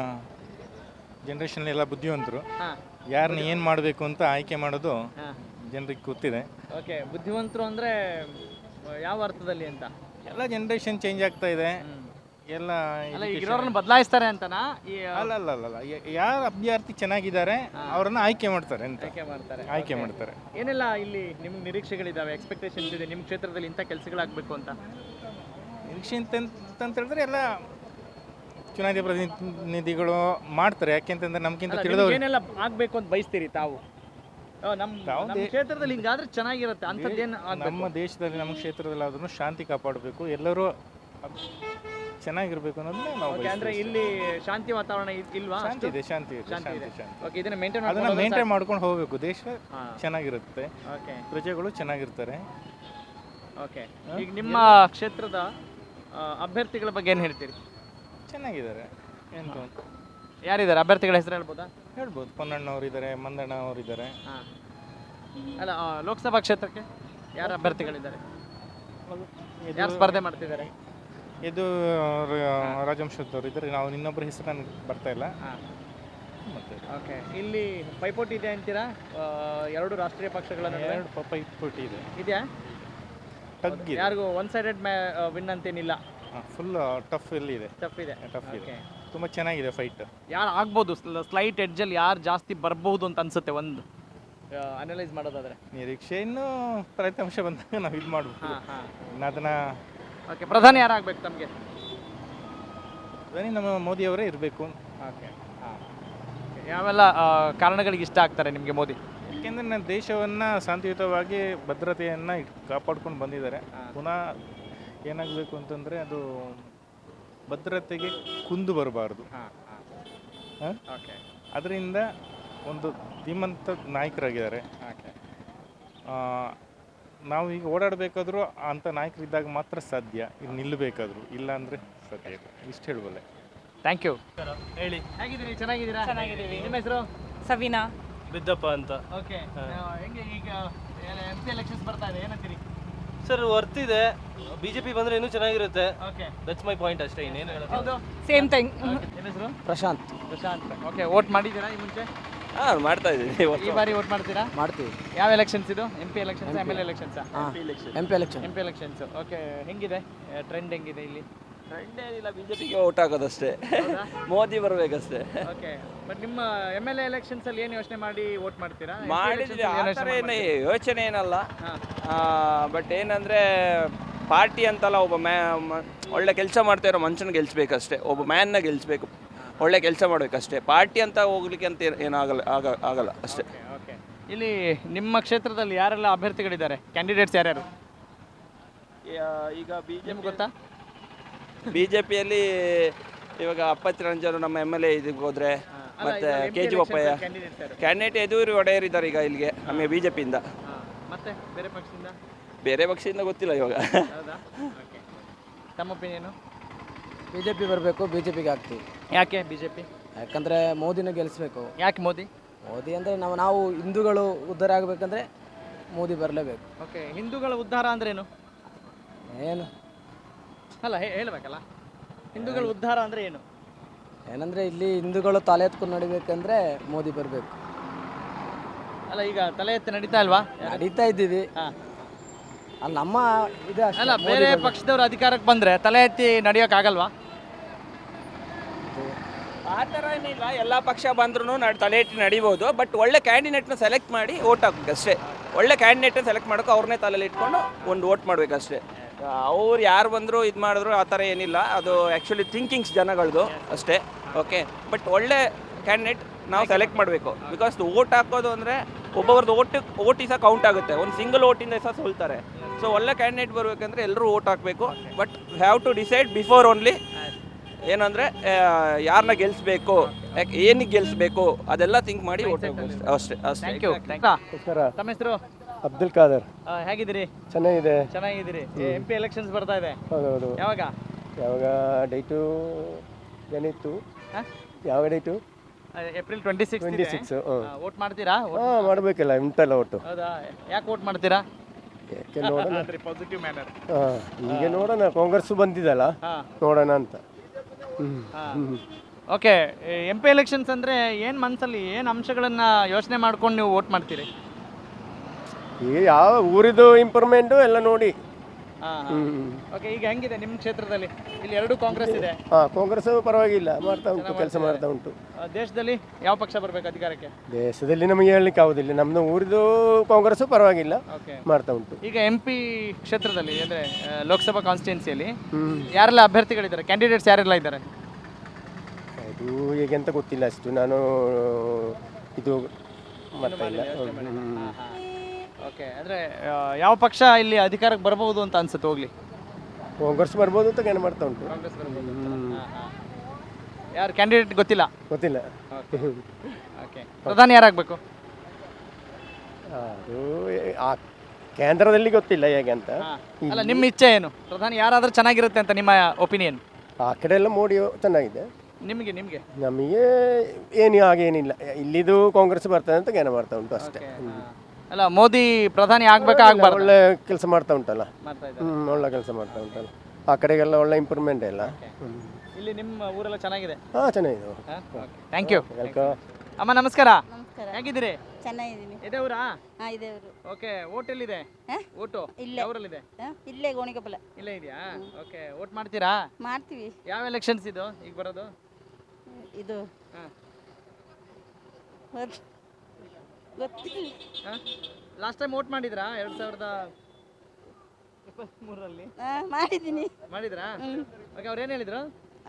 ಜನ್ರೇಷನ್ ಎಲ್ಲ ಬುದ್ಧಿವಂತರು. ಹಾಂ ಯಾರನ್ನ ಏನು ಮಾಡಬೇಕು ಅಂತ ಆಯ್ಕೆ ಮಾಡೋದು ಹಾಂ ಜನರಿಗೆ ಗೊತ್ತಿದೆ. ಓಕೆ. ಬುದ್ಧಿವಂತರು ಅಂದರೆ ಯಾವ ಅರ್ಥದಲ್ಲಿ ಅಂತ? ಎಲ್ಲ ಜನ್ರೇಷನ್ ಚೇಂಜ್ ಆಗ್ತಾ ಇದೆ. ಎಲ್ಲ ಅಲ್ಲ, ಈಗ ಇರೋರನ್ನ ಬದಲಾಯಿಸ್ತಾರೆ ಅಂತನಾ? ಈ ಅಲ್ಲ ಅಲ್ಲ ಅಲ್ಲ ಯಾರು ಅಭ್ಯರ್ಥಿ ಚೆನ್ನಾಗಿದ್ದಾರೆ ಅವರನ್ನ ಆಯ್ಕೆ ಮಾಡ್ತಾರೆ ಅಂತ. ಆಯ್ಕೆ ಮಾಡ್ತಾರೆ. ಆಯ್ಕೆ ಮಾಡ್ತಾರೆ. ಏನೆಲ್ಲ ಇಲ್ಲಿ ನಿಮ್ಗೆ ನಿರೀಕ್ಷೆಗಳಿದ್ದಾವೆ, ಎಕ್ಸ್ಪೆಕ್ಟೇಷನ್ಸ್ ಇದೆ ನಿಮ್ಮ ಕ್ಷೇತ್ರದಲ್ಲಿ ಇಂಥ ಕೆಲಸಗಳಾಗಬೇಕು ಅಂತ? ನಿರೀಕ್ಷೆ ಅಂತ ಹೇಳಿದ್ರೆ ಎಲ್ಲ ಚುನಾಯಿತ ಪ್ರತಿನಿಧಿಗಳು ಮಾಡ್ತಾರೆ. ಯಾಕೆಂತಂದ್ರೆ ನಮ್ಗಿಂತ ಅಲ್ಲ, ತಿಳಿದವರು ನಿಮ್ಗೆ ಏನೆಲ್ಲ ಆಗಬೇಕು ಅಂತ ಬಯಸ್ತೀರಿ ತಾವು? ನಮ್ಮ ಕ್ಷೇತ್ರದಲ್ಲಿ ಹಿಂಗಾದ್ರೆ ಚೆನ್ನಾಗಿರುತ್ತೆ ಅಂಥದ್ದೇನು ನಮ್ಮ ದೇಶದಲ್ಲಿ ನಮ್ಮ ಕ್ಷೇತ್ರದಲ್ಲಿ ಆದ್ರೂ ಶಾಂತಿ ಕಾಪಾಡಬೇಕು, ಎಲ್ಲರೂ ಚೆನ್ನಾಗಿರ್ಬೇಕು ಅನ್ನೋದನ್ನ ನಾವು ಓಕೆ. ಅಂದ್ರೆ ಇಲ್ಲಿ ಶಾಂತಿ ವಾತಾವರಣ ಇಲ್ವಾ? ಶಾಂತಿ ಇದೆ, ಶಾಂತಿ ಇದೆ, ಶಾಂತಿ ಇದೆ. ಶಾಂತಿ. ಓಕೆ. ಇದನ್ನ ಮೇಂಟೈನ್ ಅದನ್ನ ಮೇಂಟೈನ್ ಮಾಡ್ಕೊಂಡು ಹೋಗ್ಬೇಕು. ದೇಶ ಹಾಂ ಚೆನ್ನಾಗಿರುತ್ತೆ, ಓಕೆ ಪ್ರಜೆಗಳು ಚೆನ್ನಾಗಿರ್ತಾರೆ. ಓಕೆ. ಈಗ ನಿಮ್ಮ ಕ್ಷೇತ್ರದ ಅಭ್ಯರ್ಥಿಗಳ ಬಗ್ಗೆ ಏನು ಹೇಳ್ತೀರಿ? ಚೆನ್ನಾಗಿದ್ದಾರೆ. ಎಂತ ಯಾರಿದ್ದಾರೆ ಅಭ್ಯರ್ಥಿಗಳ ಹೆಸರು ಹೇಳ್ಬೋದಾ? ಹೇಳ್ಬೋದು. ಪೊನ್ನಣ್ಣ ಅವರಿದ್ದಾರೆ, ಮಂದಣ್ಣ ಅವರಿದ್ದಾರೆ. ಹಾಂ ಅಲ್ಲ ಲೋಕಸಭಾ ಕ್ಷೇತ್ರಕ್ಕೆ ಯಾರು ಅಭ್ಯರ್ಥಿಗಳಿದ್ದಾರೆ, ಯಾರು ಸ್ಪರ್ಧೆ ಮಾಡ್ತಿದ್ದಾರೆ? ಇದು ರಾಜವಂಶದವ್ರು ಇದ್ದಾರೆ, ನಾವು ಇನ್ನೊಬ್ಬರ ಹೆಸರು ನನಗೆ ಬರ್ತಾ ಇಲ್ಲ. ಮತ್ತೆ ಓಕೆ, ಇಲ್ಲಿ ಪೈಪೋಟಿ ಇದೆ ಅಂತೀರಾ ಎರಡು ರಾಷ್ಟ್ರೀಯ ಪಕ್ಷಗಳ ನಡುವೆ? ಎರಡು ಪೈಪೋಟಿ ಇದೆ, ಇದೆಯಾ? ಟಗ್ ಇದೆ. ಯಾರಿಗೂ ಒನ್ ಸೈಡೆಡ್ ವಿನ್ ಅಂತೇನಿಲ್ಲ, ಫುಲ್ ಟಫ್ ಎಲ್ಲಿ ಇದೆ, ಟಫ್ ಇದೆ. ಟಫ್ ಇದೆ, Okay. ತುಂಬ ಚೆನ್ನಾಗಿದೆ ಫೈಟ್. ಯಾರು ಆಗ್ಬೋದು ಸ್ಲೈಟ್ ಎಡ್ಜಲ್ಲಿ ಯಾರು ಜಾಸ್ತಿ ಬರ್ಬೋದು ಅಂತ ಅನ್ಸುತ್ತೆ ಒಂದು ಅನಲೈಸ್ ಮಾಡೋದಾದ್ರೆ? ನಿರೀಕ್ಷೆ ಇನ್ನು ಫಲಿತಾಂಶ ಬಂದಾಗ ನಾವು ಇದು ಮಾಡ್ಬೇಕು. ಇನ್ನು ಅದನ್ನ ಓಕೆ, ಪ್ರಧಾನಿ ಯಾರಾಗಬೇಕು ತಮಗೆ? ನಮ್ಮ ಮೋದಿಯವರೇ ಇರಬೇಕು. ಓಕೆ, ಯಾವೆಲ್ಲ ಕಾರಣಗಳಿಗೆ ಇಷ್ಟ ಆಗ್ತಾರೆ ನಿಮಗೆ ಮೋದಿ? ಯಾಕೆಂದರೆ ನನ್ನ ದೇಶವನ್ನು ಶಾಂತಿಯುತವಾಗಿ ಭದ್ರತೆಯನ್ನು ಕಾಪಾಡ್ಕೊಂಡು ಬಂದಿದ್ದಾರೆ. ಪುನಃ ಏನಾಗಬೇಕು ಅಂತಂದರೆ ಅದು ಭದ್ರತೆಗೆ ಕುಂದು ಬರಬಾರ್ದು. ಓಕೆ, ಅದರಿಂದ ಒಂದು ಧೀಮಂತ ನಾಯಕರಾಗಿದ್ದಾರೆ. ನಾವು ಈಗ ಓಡಾಡಬೇಕಾದ್ರೂ ಅಂಥ ನಾಯಕರಿದ್ದಾಗ ಮಾತ್ರ ಸಾಧ್ಯ, ಇಲ್ಲಿ ನಿಲ್ಲಬೇಕಾದ್ರು, ಇಲ್ಲ ಅಂದರೆ ಸಾಧ್ಯ ಇಲ್ಲ. ಇಷ್ಟು ಹೇಳಬಲ್ಲೆ. Thank you. ಹೇಳಿ, ಹೇಗಿದ್ದೀರಿ? ಚೆನ್ನಾಗಿದ್ದೀರಾ? ಚೆನ್ನಾಗಿದ್ದೀವಿ. ನಿಮ್ಮ ಹೆಸರು? ಸವಿನಾ ಬಿದ್ದಪ್ಪ ಅಂತ. ಓಕೆ, ಹೆಂಗೆ ಈಗ MP ಎಲೆಕ್ಷನ್ಸ್ ಬರ್ತಾ ಇದೆ, ಏನಂತೀರಿ? ಸರ್ ವರ್ತ್ ಇದೆ, ಬಿಜೆಪಿ ಬಂದ್ರೆ ಇನ್ನೂ ಚೆನ್ನಾಗಿರುತ್ತೆ. ಓಕೆ, ದಟ್ಸ್ ಮೈ ಪಾಯಿಂಟ್ ಅಷ್ಟೇ, ಇನ್ನೇನು ಹೇಳೋದು. ಹೌದು. Same thing. ನಿಮ್ಮ ಹೆಸರು? ಪ್ರಶಾಂತ್. ಪ್ರಶಾಂತ್. ಓಕೆ, ವೋಟ್ ಮಾಡಿದ್ದೀರಾ ಈ ಮುಂಚೆ? ಮಾಡ್ತಾ ಇದ್ದೀವಿ. ಈ ಬಾರಿ ವೋಟ್ ಮಾಡ್ತೀರಾ? ಮಾಡ್ತೀವಿ. ಯಾವ ಎಲೆಕ್ಷನ್ಸ್ ಇದು? MP elections, MLA elections? MP election. MP elections. Okay, ಹೆಂಗಿದೆ ಟ್ರೆಂಡ್, ಹೆಂಗಿದೆ ಇಲ್ಲಿ? ಟ್ರೆಂಡ್ ಏನಿಲ್ಲ, ಬಿಜೆಪಿಗೆ ಓಟ್ ಹಾಕೋದಷ್ಟೇ. ಮೋದಿ ಬರಬೇಕಷ್ಟೇ. ಓಕೆ, ಬಟ್ ನಿಮ್ಮ MLA ಎಲೆಕ್ಷನ್ಸ್ ಅಲ್ಲಿ ಏನು ಯೋಚನೆ ಮಾಡಿ ವೋಟ್ ಮಾಡ್ತೀರಾ? ಮಾಡಿದ್ವಿ, ಆ ಥರ ಏನು ಯೋಚನೆ ಏನಲ್ಲ. ಬಟ್ ಏನಂದರೆ ಪಾರ್ಟಿ ಅಂತಲ್ಲ, ಒಬ್ಬ ಒಳ್ಳೆ ಕೆಲಸ ಮಾಡ್ತಾ ಇರೋ ಮನುಷ್ಯನ ಗೆಲ್ಸ್ಬೇಕಷ್ಟೇ, ಒಬ್ಬ ಮ್ಯಾನ್ನ ಗೆಲ್ಸ್ಬೇಕು, ಒಳ್ಳೆ ಕೆಲಸ ಮಾಡಬೇಕಷ್ಟೇ. ಪಾರ್ಟಿ ಅಂತ ಹೋಗ್ಲಿಕ್ಕೆ ಅಂತ ಏನಾಗಲ್ಲ, ಆಗಲ್ಲ ಅಷ್ಟೇ. ಓಕೆ, ಇಲ್ಲಿ ನಿಮ್ಮ ಕ್ಷೇತ್ರದಲ್ಲಿ ಯಾರೆಲ್ಲ ಅಭ್ಯರ್ಥಿಗಳಿದ್ದಾರೆ, ಕ್ಯಾಂಡಿಡೇಟ್ಸ್ ಯಾರ್ಯಾರು ಈಗ ನಿಮ್ಗೆ ಗೊತ್ತಾ? ಬಿಜೆಪಿಯಲ್ಲಿ ಇವಾಗ ಅಪ್ಪಚ್ಚ ರಂಜನ್ ನಮ್ಮ MLA ಇದಕ್ಕೆ ಹೋದ್ರೆ, ಮತ್ತೆ KG ಬೊಪ್ಪಯ್ಯ ಕ್ಯಾಂಡಿಡೇಟ್ ಎದುರು ಒಡೆಯರಿದ್ದಾರೆ ಈಗ ಇಲ್ಲಿಗೆ ನಮಗೆ ಬಿಜೆಪಿಯಿಂದ. ಮತ್ತೆ ಬೇರೆ ಪಕ್ಷದಿಂದ? ಬೇರೆ ಪಕ್ಷದಿಂದ ಗೊತ್ತಿಲ್ಲ ಇವಾಗ. ಹೌದಾ? ಓಕೆ, ತಮ್ಮ ಒಪಿನಿಯನು? BJP ಬರಬೇಕು, BJPಗೆ ಹಾಕ್ತೀವಿ. ಯಾಕೆ ಬಿಜೆಪಿ? ಯಾಕಂದರೆ ಮೋದಿನ ಗೆಲ್ಲಿಸ್ಬೇಕು. ಯಾಕೆ ಮೋದಿ? ಮೋದಿ ಅಂದರೆ ನಾವು ಹಿಂದೂಗಳು ಉದ್ಧಾರ ಆಗಬೇಕಂದ್ರೆ ಮೋದಿ ಬರಲೇಬೇಕು. ಓಕೆ, ಹಿಂದೂಗಳ ಉದ್ಧಾರ ಅಂದ್ರೇನು? ಏನು ಅಲ್ಲ, ಹೇಳ್ಬೇಕಲ್ಲ, ಹಿಂದೂಗಳ ಉದ್ಧಾರ ಅಂದ್ರೆ ಏನು? ಏನಂದರೆ ಇಲ್ಲಿ ಹಿಂದೂಗಳು ತಲೆ ಎತ್ಕೊಂಡು ನಡಿಬೇಕಂದ್ರೆ ಮೋದಿ ಬರಬೇಕು. ಅಲ್ಲ, ಈಗ ತಲೆ ಎತ್ತಿ ನಡೀತಾ ಇಲ್ವಾ? ನಡೀತಾ ಇದ್ದೀವಿ. ಹಾಂ, ಅಲ್ಲಿ ನಮ್ಮ ಇದು ಅಷ್ಟೇ, ಅಲ್ಲ, ಮೋದಿ ಬೇರೆ ಬರ್ಬೇಕು. ಪಕ್ಷದವ್ರು ಅಧಿಕಾರಕ್ಕೆ ಬಂದ್ರೆ ತಲೆ ಎತ್ತಿ ನಡೆಯೋಕ್ಕಾಗಲ್ವಾ? ಆ ಥರ ಏನಿಲ್ಲ, ಎಲ್ಲ ಪಕ್ಷ ಬಂದ್ರೂ ತಲೆ ಇಟ್ಟು ನಡಿಬೋದು. ಬಟ್ ಒಳ್ಳೆ ಕ್ಯಾಂಡಿಡೇಟ್ನ ಸೆಲೆಕ್ಟ್ ಮಾಡಿ ಓಟ್ ಹಾಕ್ಬೇಕು ಅಷ್ಟೇ. ಒಳ್ಳೆ ಕ್ಯಾಂಡಿಡೇಟ್ನ ಸೆಲೆಕ್ಟ್ ಮಾಡೋಕೆ ಅವ್ರನ್ನೇ ತಲೆಯಲ್ಲಿ ಇಟ್ಕೊಂಡು ಒಂದು ಓಟ್ ಮಾಡಬೇಕಷ್ಟೇ. ಅವ್ರು ಯಾರು ಬಂದರೂ ಇದು ಮಾಡಿದ್ರು ಆ ಥರ ಏನಿಲ್ಲ, ಅದು ಆ್ಯಕ್ಚುಲಿ ಥಿಂಕಿಂಗ್ಸ್ ಜನಗಳದು ಅಷ್ಟೇ. ಓಕೆ, ಬಟ್ ಒಳ್ಳೆ ಕ್ಯಾಂಡಿಡೇಟ್ ನಾವು ಸೆಲೆಕ್ಟ್ ಮಾಡಬೇಕು. ಬಿಕಾಸ್ ಓಟ್ ಹಾಕೋದು ಅಂದರೆ ಒಬ್ಬೊಬ್ರದ್ದು ಓಟಿ ಸಹ ಕೌಂಟ್ ಆಗುತ್ತೆ, ಒಂದು ಸಿಂಗಲ್ ಓಟಿಂದ ಸಹ ಸೋಲ್ತಾರೆ. ಸೊ ಒಳ್ಳೆ ಕ್ಯಾಂಡಿಡೇಟ್ ಬರಬೇಕಂದ್ರೆ ಎಲ್ಲರೂ ಓಟ್ ಹಾಕಬೇಕು. But have to decide before only, ಏನಂದರೆ ಯಾರನ್ನ ಗೆಲ್ಲಿಸ್ಬೇಕು, ಯಾಕೆ ಏನಕ್ಕೆ ಗೆಲ್ಲಿಸ್ಬೇಕು ಅದೆಲ್ಲ ಥಿಂಕ್ ಮಾಡಿ ಓಟ್ ಹಾಕಬೇಕು ಅಷ್ಟೇ ಅಷ್ಟೇ. Thank you. ತಮ್ಮ ಹೆಸರು? ಅಬ್ದುಲ್ ಖಾದರ್. ಹೇಗಿದ್ದೀರಿ? ಚೆನ್ನಾಗಿದೆ. ಚೆನ್ನಾಗಿದ್ದೀರಿ. MP ಎಲೆಕ್ಷನ್ಸ್ ಬರ್ತಾ ಇದೆ. ಹೌದೌದು. ಯಾವಾಗ ಡೇಟು ಏನಿತ್ತು? ಹಾಂ, ಯಾವ ಡೇಟು? ಏಪ್ರಿಲ್ 26. ವೋಟ್ ಮಾಡ್ತೀರಾ? ಹಾಂ, ಮಾಡಬೇಕಲ್ಲ, ಉಂಟಲ್ಲ ಒಟ್ಟು. ಹೌದಾ? ಯಾಕೆ ವೋಟ್ ಮಾಡ್ತೀರಾ? ಯಾಕೆ ನೋಡೋಣ. Positive manner. ಈಗ ನೋಡೋಣ, ಕಾಂಗ್ರೆಸ್ ಬಂದಿದ್ದಲ್ಲ, ನೋಡೋಣ ಅಂತ. ಓಕೆ, MP ಎಲೆಕ್ಷನ್ಸ್ ಅಂದರೆ ಏನು ಮನಸ್ಸಲ್ಲಿ ಏನು ಅಂಶಗಳನ್ನು ಯೋಚನೆ ಮಾಡ್ಕೊಂಡು ನೀವು ವೋಟ್ ಮಾಡ್ತೀರಿ? ಈಗ ಯಾವ ಊರಿದು ಇಂಪ್ರೂವ್ಮೆಂಟು ಎಲ್ಲ ನೋಡಿ. ಓಕೆ, ಈಗ ಹೆಂಗಿದೆ ನಿಮ್ಮ ಕ್ಷೇತ್ರದಲ್ಲಿ? ಇಲ್ಲಿ ಎರಡು ಕಾಂಗ್ರೆಸ್ ಇದೆ. ಹಾಂ, ಕಾಂಗ್ರೆಸ್ ಪರವಾಗಿಲ್ಲ, ಮಾಡ್ತಾ ಉಂಟು, ಕೆಲಸ ಮಾಡ್ತಾ ಉಂಟು. ದೇಶದಲ್ಲಿ ಯಾವ ಪಕ್ಷ ಬರಬೇಕು ಅಧಿಕಾರಕ್ಕೆ? ದೇಶದಲ್ಲಿ ನಮಗೆ ಹೇಳಲಿಕ್ಕೆ ಆಗೋದಿಲ್ಲ, ನಮ್ಮದು ಊರಿದು ಕಾಂಗ್ರೆಸ್ ಪರವಾಗಿಲ್ಲ, ಮಾಡ್ತಾ ಉಂಟು. ಈಗ MP ಕ್ಷೇತ್ರದಲ್ಲಿ ಅಂದರೆ ಲೋಕಸಭಾ ಕಾನ್ಸ್ಟಿಟ್ಯೂನ್ಸಿಯಲ್ಲಿ ಯಾರೆಲ್ಲ ಅಭ್ಯರ್ಥಿಗಳಿದ್ದಾರೆ, ಕ್ಯಾಂಡಿಡೇಟ್ಸ್ ಯಾರೆಲ್ಲ ಇದ್ದಾರೆ? ಅದು ಹೇಗೆ ಅಂತ ಗೊತ್ತಿಲ್ಲ ಅಷ್ಟು, ನಾನು ಇದು ಮಾಡ್ತಾ ಇಲ್ಲ. ಓಕೆ, ಅಂದರೆ ಯಾವ ಪಕ್ಷ ಇಲ್ಲಿ ಅಧಿಕಾರಕ್ಕೆ ಬರಬಹುದು ಅಂತ ಅನ್ಸುತ್ತೆ? ಹೋಗ್ಲಿ, ಕಾಂಗ್ರೆಸ್ ಬರ್ಬೋದು ಅಂತ ಏನು ಮಾಡ್ತಾ ಉಂಟು. ಕಾಂಗ್ರೆಸ್ ಬರಬಹುದು. ಯಾರು ಕ್ಯಾಂಡಿಡೇಟ್ ಗೊತ್ತಿಲ್ಲ? ಗೊತ್ತಿಲ್ಲ. ಓಕೆ, ಪ್ರಧಾನಿ ಯಾರಾಗಬೇಕು? ಅದು ಆ ಕೇಂದ್ರದಲ್ಲಿ ಗೊತ್ತಿಲ್ಲ ಹೇಗೆ ಅಂತ. ಅಲ್ಲ, ನಿಮ್ಮ ಇಚ್ಛೆ ಏನು? ಪ್ರಧಾನಿ ಯಾರಾದರೂ ಚೆನ್ನಾಗಿರುತ್ತೆ ಅಂತ ನಿಮ್ಮ ಒಪಿನಿಯನ್? ಆ ಕಡೆ ಎಲ್ಲ ಮೋದಿ ಚೆನ್ನಾಗಿದೆ. ನಿಮಗೆ ನಮಗೆ ಏನು ಹಾಗೇನಿಲ್ಲ, ಇಲ್ಲಿದು ಕಾಂಗ್ರೆಸ್ ಬರ್ತದೆ ಅಂತ ಏನು ಮಾಡ್ತಾ ಉಂಟು ಅಷ್ಟೇ. ಅಲ್ಲ ಮೋದಿ ಪ್ರಧಾನಿ ಆಗ್ಬೇಕಾ ಆಗ್ಬಾರ್ದು ಒಳ್ಳೆ ಕೆಲಸ ಮಾಡ್ತಾ ಉಂಟಲ್ಲ, ಮಾಡ್ತಾ ಇದ್ದಾರೆ. ಒಳ್ಳೆ ಕೆಲಸ ಮಾಡ್ತಾ ಉಂಟಲ್ಲ, ಆ ಕಡೆಗೆಲ್ಲ ಒಳ್ಳೆ ಇಂಪ್ರೂವ್ಮೆಂಟ್ ಎಲ್ಲ. ಇಲ್ಲಿ ನಿಮ್ಮ ಊರೆಲ್ಲ ಚೆನ್ನಾಗಿದೆ. ಹಾಂ, ಚೆನ್ನಾಗಿದೆ. Thank you. ವೆಲ್ಕಮ್. ಅಮ್ಮ ನಮಸ್ಕಾರ. ನಮಸ್ಕಾರ. ಹೇಗಿದ್ದೀರಿ? ಚೆನ್ನಾಗಿದ್ದೀನಿ. ಇದೇ ಊರಾ? ಹಾಂ, ಇದೇವರು. ಓಕೆ. ಓಟ್ ಎಲ್ಲಿದೆ? ಓಟು ಇಲ್ಲೇ. ಯಾವೂರಲ್ಲಿದೆ? ಇಲ್ಲೇ ಗೋಣಿಕೊಪ್ಪಲ. ಇಲ್ಲೇ ಇದೆಯಾ? ಓಕೆ. ಓಟ್ ಮಾಡ್ತೀರಾ? ಮಾಡ್ತೀವಿ. ಯಾವ ಎಲೆಕ್ಷನ್ಸ್ ಇದು ಈಗ ಬರೋದು? ಇದು ಗೊತ್ತಿಲ್ಲ. ಲಾಸ್ಟ್ ಟೈಮ್ ಓಟ್ ಮಾಡಿದ್ರಾ 2023ರಲ್ಲಿ? ಮಾಡಿದ್ದೀನಿ. ಮಾಡಿದ್ರಾ? ಓಕೆ. ಅವ್ರು ಏನು ಹೇಳಿದ್ರು?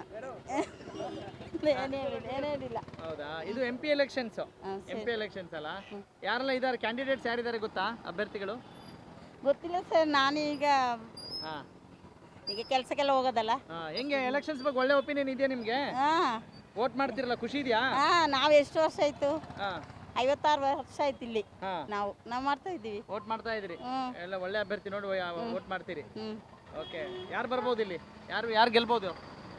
ಏನೇನಿಲ್ಲ. ಹೌದಾ? ಇದು M P elections. M P elections ಅಲ್ಲ? ಯಾರೆಲ್ಲ ಇದ್ದಾರೆ ಕ್ಯಾಂಡಿಡೇಟ್ಸ್? ಯಾರಿದ್ದಾರೆ ಗೊತ್ತಾ ಅಭ್ಯರ್ಥಿಗಳು? ಗೊತ್ತಿಲ್ಲ ಸರ್, ನಾನೀಗ ಹಾಂ. ಈಗ ಕೆಲಸಕ್ಕೆಲ್ಲ ಹೋಗೋದಲ್ಲ. ಹೆಂಗೆ ಎಲೆಕ್ಷನ್ಸ್ ಬಗ್ಗೆ ಒಳ್ಳೆ ಒಪಿನಿಯನ್ ಇದೆಯಾ ನಿಮಗೆ? ಹಾಂ ವೋಟ್ ಮಾಡ್ತಿರಲ್ಲ, ಖುಷಿ ಇದೆಯಾ? ಹಾಂ. ನಾವು ಎಷ್ಟು ವರ್ಷ ಆಯಿತು? ಹಾಂ. 56 ವರ್ಷ ಆಯ್ತು ಇಲ್ಲಿ. ಹಾಂ. ನಾವು ಮಾಡ್ತಾ ಇದ್ದೀವಿ. ವೋಟ್ ಮಾಡ್ತಾ ಇದ್ರಿ? ಹ್ಞೂ. ಎಲ್ಲ ಒಳ್ಳೆ ಅಭ್ಯರ್ಥಿ ನೋಡಿ ವೋಟ್ ಮಾಡ್ತೀರಿ? ಹ್ಞೂ. ಓಕೆ. ಯಾರು ಬರ್ಬೋದು ಇಲ್ಲಿ? ಯಾರು ಗೆಲ್ಬೋದು?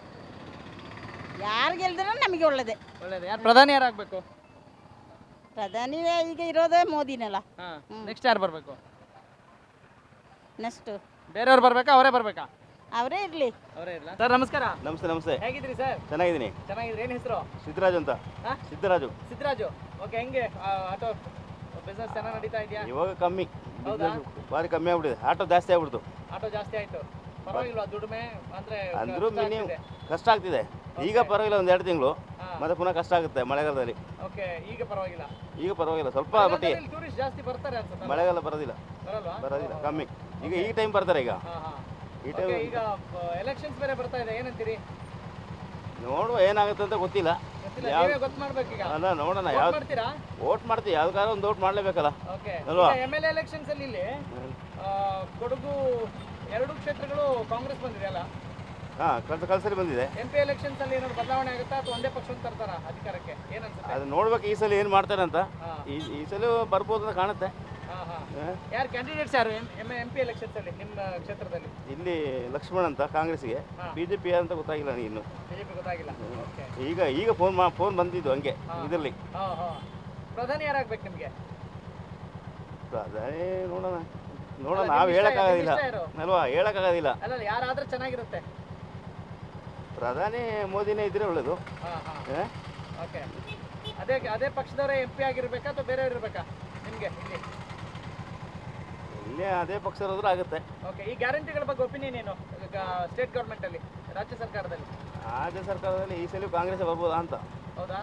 ಯಾರು ಗೆಲ್ದ್ರೂ ನಮಗೆ ಒಳ್ಳೇದೇ. ಒಳ್ಳೇದು. ಯಾರು ಪ್ರಧಾನಿ ಯಾರಾಗಬೇಕು? ಪ್ರಧಾನಿ ಈಗ ಇರೋದೇ ಮೋದಿನಲ್ಲ. ಹಾಂ. ನೆಕ್ಸ್ಟ್ ಯಾರು ಬರಬೇಕು? ನೆಕ್ಸ್ಟು ಬೇರೆಯವ್ರು ಬರ್ಬೇಕಾ, ಅವರೇ ಬರ್ಬೇಕಾ? ಅವರೇ ಇರಲಿ. ಅವರೇ ಇರಲ್ಲ. ಸರ್ ನಮಸ್ಕಾರ. ನಮಸ್ತೆ. ನಮಸ್ತೆ. ಹೇಗಿದ್ರಿ ಸರ್? ಚೆನ್ನಾಗಿದ್ದೀನಿ. ಚೆನ್ನಾಗಿದ್ರಿ. ಏನು ಹೆಸರು? ಸಿದ್ದರಾಜು ಅಂತ. ಹಾಂ? ಸಿದ್ದರಾಜು. ಸಿದ್ದರಾಜು. ಓಕೆ. ಹೆಂಗೆ ಆಟೋ ಬಿಸ್ನೆಸ್ ಚೆನ್ನಾಗಿ ನಡೀತಾ ಇದೆಯಾ? ಇವಾಗ ಕಮ್ಮಿ, ಹೌದಾ? ಭಾರಿ ಕಮ್ಮಿ ಆಗ್ಬಿಟ್ಟಿದೆ. ಆಟೋ ಜಾಸ್ತಿ ಆಗ್ಬಿಡ್ತು. ಆಟೋ ಜಾಸ್ತಿ ಆಯ್ತು. ಪರವಾಗಿಲ್ವಾ ದುಡಿಮೆ? ಅಂದ್ರೆ ಅಂದ್ರೂ ಕಷ್ಟ ಮಿನಿಮಮ್ ಆಗ್ತಿದೆ. ಕಷ್ಟ ಆಗ್ತಿದೆ. ಈಗ ಪರವಾಗಿಲ್ಲ, ಒಂದು 2 ತಿಂಗಳು, ಮತ್ತೆ ಪುನಃ ಕಷ್ಟ ಆಗುತ್ತೆ ಮಳೆಗಾಲದಲ್ಲಿ. ಓಕೆ. ಈಗ ಪರವಾಗಿಲ್ಲ. ಈಗ ಪರವಾಗಿಲ್ಲ, ಸ್ವಲ್ಪ ಮಟ್ಟಿಗೆ. ಟೂರಿಸ್ಟ್ ಜಾಸ್ತಿ ಬರ್ತಾರೆ ಅನ್ಸುತ್ತೆ. ಮಳೆಗಾಲ ಬರೋದಿಲ್ಲ, ಬರಲ್ವಾ? ಬರೋದಿಲ್ಲ, ಕಮ್ಮಿ. ಈಗ ಈ ಟೈಮ್ ಬರ್ತಾರೆ. ಈಗ ಹಾಂ ಹಾಂ. ಈ ಓಕೆ. ಟೈಮ್ ಈಗ ಎಲೆಕ್ಷನ್ಸ್ ಬೇರೆ ಬರ್ತಾ ಇದೆ, ಏನಂತೀರಿ? ನೋಡುವ ಏನಾಗುತ್ತೆ ಅಂತ ಗೊತ್ತಿಲ್ಲ. ಗೊತ್ತಿಲ್ಲ, ಯಾವ ನೀವೇ ಗೊತ್ತು ಮಾಡ್ಬೇಕೀಗ. ಅಲ್ಲ, ನೋಡೋಣ. Vote ಯಾವ್ದು ಮಾಡ್ತೀರಾ? ವೋಟ್ ಮಾಡ್ತೀವಿ, ಯಾವ್ದಾರ ಒಂದು ವೋಟ್ ಮಾಡಲೇಬೇಕಲ್ಲ. ಓಕೆ. ಅಲ್ವಾ? ಎಮ್.ಎಲ್.ಎ ಎಲೆಕ್ಷನ್ಸ್ ಅಲ್ಲಿ ಇಲ್ಲಿ ಕೊಡಗು 2 ಕ್ಷೇತ್ರಗಳು ಕಾಂಗ್ರೆಸ್ ಬಂದಿದೆ ಅಲ್ಲ? ಹಾಂ, ಕಲ್ಸರಿ ಬಂದಿದೆ. ಎಂ.ಪಿ ಎಲೆಕ್ಷನ್ಸ್ ಅಲ್ಲಿ ಏನಾದ್ರು ಬದಲಾವಣೆ ಆಗುತ್ತಾ ಅಥವಾ ಒಂದೇ ಪಕ್ಷವನ್ನು ತರ್ತಾರ ಅಧಿಕಾರಕ್ಕೆ? ಏನನ್ಸುತ್ತೆ? ಅದು ನೋಡ್ಬೇಕು ಈ ಸಲ ಏನು ಮಾಡ್ತಾರೆ ಅಂತ. ಹಾಂ. ಈ ಸಲ ಬರ್ಬೋದು ಅಂತ ಕಾಣುತ್ತೆ. ಹಾಂ ಹಾಂ. ಯಾರು ಕ್ಯಾಂಡಿಡೇಟ್ಸ್ ಯಾರು ಎಂ.ಪಿ ಎಲೆಕ್ಷನ್ಸ್ ಅಲ್ಲಿ ನಿಮ್ಮ ಕ್ಷೇತ್ರದಲ್ಲಿ? ಇಲ್ಲಿ ಲಕ್ಷ್ಮಣ್ ಅಂತ ಕಾಂಗ್ರೆಸ್ಗೆ, ಹಾ. ಬಿಜೆಪಿ ಅಂತ ಗೊತ್ತಾಗಿಲ್ಲ ನನಗೆ ಇನ್ನು. ಬಿಜೆಪಿ ಗೊತ್ತಾಗಿಲ್ಲ. ಓಕೆ. ಈಗ ಫೋನ್ ಬಂದಿದ್ದು ಹಂಗೆ ಇದರಲ್ಲಿ. ಹಾಂ ಹಾಂ. ಪ್ರಧಾನಿ ಯಾರಾಗ್ಬೇಕು ನಿಮಗೆ? ಅದೇ ನೋಡೋಣ ಅಲ್ಲ, ನಾವು ನಿಮ್ ಹೇಳಕ್ಕಾಗೋದಿಲ್ಲ ಇಷ್ಟ ಯಾರು? ಅಲ್ವಾ, ಹೇಳಕ್ಕಾಗೋದಿಲ್ಲ. ಅಲ್ಲ, ಯಾರಾದ್ರೆ ಚೆನ್ನಾಗಿರುತ್ತೆ? ಪ್ರಧಾನಿ ಮೋದಿನೇ ಇದ್ರೆ ಒಳ್ಳೇದು. ಹಾಂ ಹಾಂ. ಹ? ಓಕೆ. ಅದೇ ಪಕ್ಷದವರೇ ಎಂ.ಪಿ ಆಗಿರ್ಬೇಕಾ ಅಥವಾ ಬೇರೆಯವ್ರು ಇರಬೇಕಾ ನಿಮಗೆ ಇಲ್ಲಿ? ಇಲ್ಲೇ ಅದೇ ಪಕ್ಷದವ್ರು ಆಗುತ್ತೆ. ಓಕೆ. ಈ ಗ್ಯಾರಂಟಿಗಳ ಬಗ್ಗೆ ಒಪಿನಿಯನ್ ಏನು ಸ್ಟೇಟ್ ಗೌರ್ಮೆಂಟ್ ಅಲ್ಲಿ, ರಾಜ್ಯ ಸರ್ಕಾರದಲ್ಲಿ? ರಾಜ್ಯ ಸರ್ಕಾರದಲ್ಲಿ ಈ ಸಲ ಕಾಂಗ್ರೆಸ್ ಬರ್ಬೋದಾ ಅಂತ. ಹೌದಾ?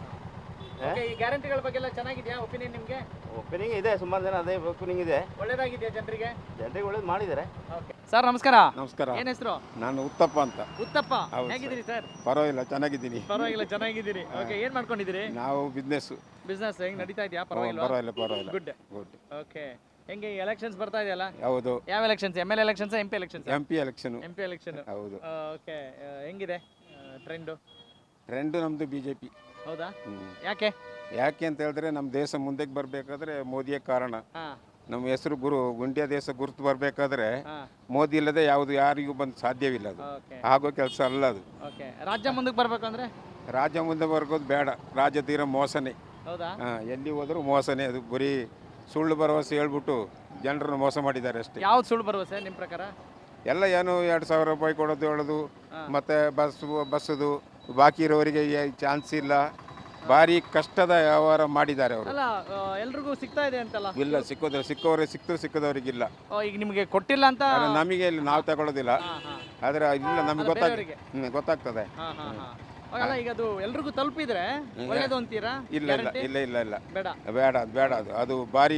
ಓಕೆ. ಈ ಗ್ಯಾರಂಟಿಗಳ ಬಗ್ಗೆ ಎಲ್ಲ ಚೆನ್ನಾಗಿದೆಯಾ ಒಪಿನಿಯನ್ ನಿಮಗೆ? ಒಪಿನಿಂಗ್ ಇದೆ, ಸುಮಾರು ಜನ ಅದೇ ಒಪಿನಿಂಗ್ ಇದೆ. ಒಳ್ಳೇದಾಗಿದೆಯಾ ಜನರಿಗೆ? ಜನರಿಗೆ ಒಳ್ಳೇದು ಮಾಡಿದ್ದಾರೆ. ಓಕೆ. ಸರ್ ನಮಸ್ಕಾರ. ನಮಸ್ಕಾರ. ಏನ್ ಹೆಸರು? ನಾನು ಉತ್ತಪ್ಪ ಅಂತ. ಉತ್ತಪ್ಪ. ಹೌದು ಹೇಗಿದ್ದೀರಿ ಸರ್? ಪರವಾಗಿಲ್ಲ, ಚೆನ್ನಾಗಿದ್ದೀನಿ. ಪರವಾಗಿಲ್ಲ, ಚೆನ್ನಾಗಿದ್ದೀರಿ. ಓಕೆ. ಏನ್ ಮಾಡ್ಕೊಂಡಿದ್ದೀರಿ? ನಾವು ಬಿಸ್ನೆಸ್ ಹೆಂಗ್ ನಡೀತಾ ಇದೆಯಾ? ಪರವಾಗಿಲ್ಲ. ಪರವಾಗಿಲ್ಲ. ಗುಡ್. ಓಕೆ. ಹೆಂಗೆ ಎಲೆಕ್ಷನ್ಸ್ ಬರ್ತಾ ಇದೆಯಲ್ಲ? ಹೌದು. ಯಾವ elections? MLA elections, MP elections? MP election. MP election. ಹೌದು. ಓಕೆ. ಹೆಂಗಿದೆ ಟ್ರೆಂಡು? ನಮ್ದು BJP. ಹೌದಾ? ಯಾಕೆ ಅಂತ ಹೇಳಿದ್ರೆ ನಮ್ಮ ದೇಶ ಮುಂದಕ್ಕೆ ಬರಬೇಕಾದ್ರೆ ಮೋದಿಯೇ ಕಾರಣ. ಹಾ. ನಮ್ಮ ಹೆಸರು ಗುಂಡಿಯ ದೇಶ ಗುರುತು ಬರಬೇಕಾದ್ರೆ ಹಾ. ಮೋದಿ ಇಲ್ಲದೆ ಯಾರಿಗೂ ಬಂದು ಸಾಧ್ಯವಿಲ್ಲ. ಅದು ಓಕೆ. ಆಗೋ ಕೆಲಸ ಅಲ್ಲ ಅದು. ಓಕೆ. ರಾಜ್ಯ ಮುಂದಕ್ಕೆ ಬರ್ಬೇಕು ಅಂದ್ರೆ? ರಾಜ್ಯ ಮುಂದೆ ಬರ್ಗೋದು ಬೇಡ. ರಾಜ್ಯ ತೀರ ಮೋಸನೇ. ಹೌದಾ? ಎಲ್ಲಿ ಹೋದರೂ ಮೋಸನೇ. ಅದು ಬರೀ ಸುಳ್ಳು ಭರವಸೆ ಹೇಳ್ಬಿಟ್ಟು ಜನರನ್ನು ಮೋಸ ಮಾಡಿದ್ದಾರೆ ಅಷ್ಟೇ. ಯಾವ್ದು ಸುಳ್ಳು ಭರವಸೆ ನಿಮ್ಮ ಪ್ರಕಾರ? ಎಲ್ಲ ಏನು 2,000 ರೂಪಾಯಿ ಕೊಡೋದು ಹೇಳೋದು, ಮತ್ತು ಬಸ್ಸದು ಬಾಕಿ ಇರೋರಿಗೆ ಚಾನ್ಸ್ ಇಲ್ಲ. ಭಾರಿ ಕಷ್ಟದ ವ್ಯವಹಾರ ಮಾಡಿದ್ದಾರೆ ಅವರು. ಅಲ್ಲ, ಎಲ್ರಿಗೂ ಸಿಗ್ತಾ ಇದೆ ಅಂತಲ್ಲ? ಇಲ್ಲ, ಸಿಕ್ಕವರಿಗೆ ಸಿಕ್ಕದವರಿಗಿಲ್ಲ. ಈಗ ನಿಮಗೆ ಕೊಟ್ಟಿಲ್ಲ ಅಂತ? ನಮಗೆ ಇಲ್ಲಿ ನಾವು ತಗೊಳ್ಳೋದಿಲ್ಲ, ಆದರೆ ಇಲ್ಲ ನಮ್ಗೆ ಗೊತ್ತಾಗ್ತದೆ. ಅಲ್ಲ, ಈಗ ಅದು ಎಲ್ರಿಗೂ ತಲುಪಿದ್ರೆ ಒಳ್ಳೇದು ಅಂತೀರಾ? ಇಲ್ಲ ಇಲ್ಲ ಇಲ್ಲ ಇಲ್ಲ ಇಲ್ಲ ಬೇಡ ಬೇಡ ಅದು ಭಾರಿ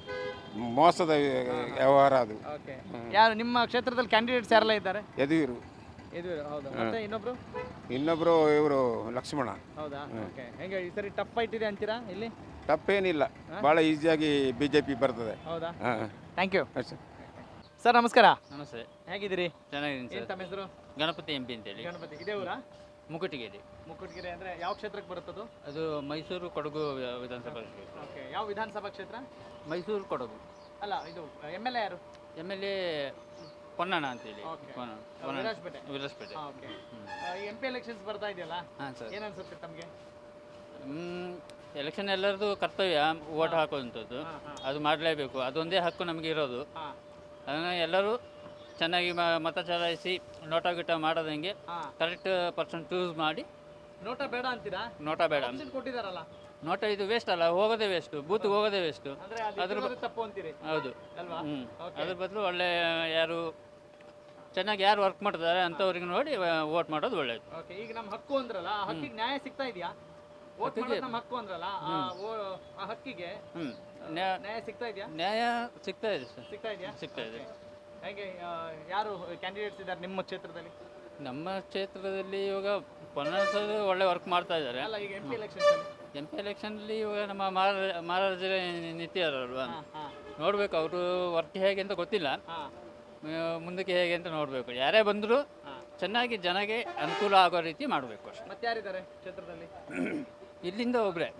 ಮೋಸದ ವ್ಯವಹಾರ ಅದು. ಓಕೆ. ಯಾರು ನಿಮ್ಮ ಕ್ಷೇತ್ರದಲ್ಲಿ ಕ್ಯಾಂಡಿಡೇಟ್ಸ್ ಯಾರೆಲ್ಲ ಇದ್ದಾರೆ? ಯದುವೀರು. ಹೌದಾ? ಮತ್ತೆ ಇನ್ನೊಬ್ರು ಇವರು ಲಕ್ಷ್ಮಣ. ಹೌದಾ? ಓಕೆ. ಹೆಂಗೆ ಈ ಸರಿ ಟಫ್ ಫೈಟ್ ಇದೆ ಅಂತೀರಾ ಇಲ್ಲಿ? ತಪ್ಪೇನಿಲ್ಲ, ಭಾಳ ಈಸಿಯಾಗಿ BJP ಬರ್ತದೆ. ಹೌದಾ? ಹಾಂ. Thank you. ಸರ್ ನಮಸ್ಕಾರ. ನಮಸ್ತೆ. ಹೇಗಿದ್ದೀರಿ? ಚೆನ್ನಾಗಿದ್ದೀನಿ ಏನು ಸರ್. ತಮ್ಮ ಹೆಸರು? ಗಣಪತಿ MP ಅಂತೇಳಿ. ಗಣಪತಿ. ಇದೇ ಊರಾ? ಮುಕುಟಗಿರಿ. ಮುಕುಟಗಿರಿ ಅಂದರೆ ಯಾವ ಕ್ಷೇತ್ರಕ್ಕೆ ಬರುತ್ತದು? ಅದು ಮೈಸೂರು ಕೊಡಗು ವಿಧಾನಸಭಾ ಕ್ಷೇತ್ರ. ಓಕೆ. ಯಾವ ವಿಧಾನಸಭಾ ಕ್ಷೇತ್ರ? ಮೈಸೂರು ಕೊಡಗು. ಅಲ್ಲ, ಇದು ಎಮ್.ಎಲ್.ಎ ಯಾರು? MLA ಪೊನ್ನಣ್ಣ ಅಂತೇಳಿ. ವಿರಾಜಪೇಟೆ. ವಿರಾಜಪೇಟೆ. ಓಕೆ. ಈ MP ಎಲೆಕ್ಷನ್ಸ್ ಬರ್ತಾ ಇದೆಯಲ್ಲ? ಹಾಂ ಸರ್. ಏನು ಅನ್ಸುತ್ತೆ ತಮಗೆ? ಎಲೆಕ್ಷನ್ ಎಲ್ಲರದು ಕರ್ತವ್ಯ ಓಟ್ ಹಾಕುವಂಥದ್ದು, ಅದು ಮಾಡಲೇಬೇಕು. ಅದೊಂದೇ ಹಕ್ಕು ನಮಗೆ ಇರೋದು. ಅದನ್ನು ಎಲ್ಲರೂ ಚೆನ್ನಾಗಿ ಮತ ಚಲಾಯಿಸಿ ನೋಟ ಗಿಟ ಮಾಡೋದಂಗೆ ಕರೆಕ್ಟ್ ಪರ್ಸನ್ ಚೂಸ್ ಮಾಡಿ. ನೋಟ ಬೇಡ ಅಂತೀರಾ? ನೋಟ ಬೇಡ, Option ಕೊಟ್ಟಿದಾರಲ್ಲ, ನೋಟ ಇದು ವೇಸ್ಟ್ ಅಲ್ಲ, ಹೋಗೋದೇ ವೇಸ್ಟು, ಬೂತ್ಗೆ ಹೋಗೋದೇ ವೇಸ್ಟು. ಅಂದ್ರೆ ಅದ್ರ ತಪ್ಪು ಅಂತೀರಿ ಹೌದು. ಅಲ್ವಾ? ಅದ್ರ ಬದಲು ಒಳ್ಳೆ ಯಾರು ಚೆನ್ನಾಗಿ ಯಾರು ವರ್ಕ್ ಮಾಡ್ತಾರೆ ಅಂಥವ್ರಿಗೆ ನೋಡಿ ವೋಟ್ ಮಾಡೋದು ಒಳ್ಳೇದು. ಓಕೆ, ಈಗ ನಮ್ಮ ಹಕ್ಕು ಅಂದ್ರಲ್ಲ, ಆ ಹಕ್ಕಿಗೆ ನ್ಯಾಯ ಸಿಗ್ತಾ ಇದೆಯಾ? ವೋಟ್ ಮಾಡೋದು ನಮ್ಮ ಹಕ್ಕು ಅಂದ್ರಲ್ಲ, ಆ ಹಕ್ಕಿಗೆ ನ್ಯಾಯ ಸಿಗ್ತಾ ಇದೆಯಾ? ನ್ಯಾಯ ಸಿಗ್ತಾ ಇದೆ ಸರ್, ಸಿಗ್ತಾ ಇದೆಯಾ? ಸಿಗ್ತಾ ಇದೆ. ಹೇಗೆ ಯಾರು ಕ್ಯಾಂಡಿಡೇಟ್ಸ್ ಇದ್ದಾರೆ ನಿಮ್ಮ ಕ್ಷೇತ್ರದಲ್ಲಿ? ನಮ್ಮ ಕ್ಷೇತ್ರದಲ್ಲಿ ಇವಾಗ ಪೊನ್ನಸರು ಒಳ್ಳೆ ವರ್ಕ್ ಮಾಡ್ತಾ ಇದ್ದಾರೆ. ಅಲ್ಲ, ಈಗ MP ಎಲೆಕ್ಷನ್ಸ್ MP ಎಲೆಕ್ಷನಲ್ಲಿ ಇವಾಗ ನಮ್ಮ ಮಹಾರಾಜರ ನಿಂತಿದ್ದಾರಲ್ವಾ, ನೋಡಬೇಕು ಅವರು ವರ್ಕ್ ಹೇಗೆ ಅಂತ ಗೊತ್ತಿಲ್ಲ, ಮುಂದಕ್ಕೆ ಹೇಗೆ ಅಂತ ನೋಡಬೇಕು. ಯಾರೇ ಬಂದರೂ ಚೆನ್ನಾಗಿ ಜನಗೆ ಅನುಕೂಲ ಆಗೋ ರೀತಿ ಮಾಡಬೇಕು ಅಷ್ಟೇ. ಮತ್ತೆ ಯಾರಿದ್ದಾರೆ ಕ್ಷೇತ್ರದಲ್ಲಿ? ಇಲ್ಲಿಂದ ಒಬ್ಬರೇ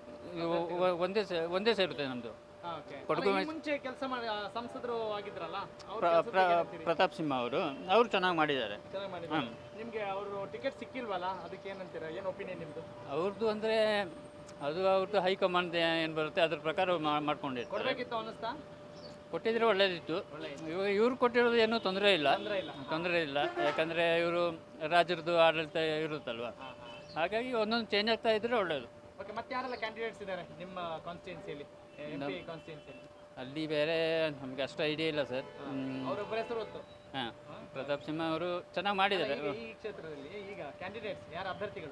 ಒಂದೇ ಸೇರುತ್ತೆ ನಮ್ಮದು ಕೊಡಗು. ಮುಂಚೆ ಕೆಲಸ ಮಾಡಿ ಸಂಸದರು ಆಗಿದ್ರಲ್ಲ, ಪ್ರತಾಪ್ ಸಿಂಹ ಅವರು ಚೆನ್ನಾಗಿ ಮಾಡಿದ್ದಾರೆ. ಚೆನ್ನಾಗಿ ಮಾಡಿದ್ದಾರೆ. ನಿಮಗೆ ಅವರು ಟಿಕೆಟ್ ಸಿಕ್ಕಿಲ್ವಲ್ಲ, ಅದಕ್ಕೆ ಏನಂತೀರಾ? ಏನು ಒಪಿನಿಯನ್ ನಿಮ್ಮದು? ಅವ್ರದ್ದು ಅಂದರೆ ಅದು ಅವ್ರದ್ದು ಹೈಕಮಾಂಡ್ ಏನು ಬರುತ್ತೆ ಅದ್ರ ಪ್ರಕಾರ ಮಾಡ್ಕೊಂಡಿರ್ತಾರೆ. ಕೊಡಬೇಕಿತ್ತು ಅನ್ನಿಸ್ತಾ? ಕೊಟ್ಟಿದ್ರೆ ಒಳ್ಳೇದಿತ್ತು. ಇವಾಗ ಇವ್ರು ಕೊಟ್ಟಿರೋದು ಏನೂ ತೊಂದರೆ ಇಲ್ಲ, ಯಾಕಂದರೆ ಇವರು ರಾಜ್ಯದ್ದು ಆಡಳಿತ ಇರುತ್ತಲ್ವ, ಹಾಗಾಗಿ ಒಂದೊಂದು ಚೇಂಜ್ ಆಗ್ತಾ ಇದ್ರೆ ಒಳ್ಳೇದು. ಓಕೆ, ಮತ್ತೆ ಯಾರೆಲ್ಲ ಕ್ಯಾಂಡಿಡೇಟ್ಸ್ ಇದ್ದಾರೆ ನಿಮ್ಮ ಕಾನ್ಸ್ಟಿಟ್ಯೂನ್ಸಿಯಲ್ಲಿ, MP ಕಾನ್ಸ್ಟಿಟ್ಯೂನ್ಸಿಯಲ್ಲಿ? ಅಲ್ಲಿ ಬೇರೆ ನಮಗೆ ಅಷ್ಟು ಐಡಿಯಾ ಇಲ್ಲ ಸರ್. ಅವರೊಬ್ಬರ ಹೆಸರು ಗೊತ್ತು. ಹಾಂ, ಪ್ರತಾಪ್ ಸಿಂಹ ಅವರು ಚೆನ್ನಾಗಿ ಮಾಡಿದ್ದಾರೆ. ಈ ಕ್ಷೇತ್ರದಲ್ಲಿ ಈಗ ಕ್ಯಾಂಡಿಡೇಟ್ಸ್ ಯಾರು ಅಭ್ಯರ್ಥಿಗಳು?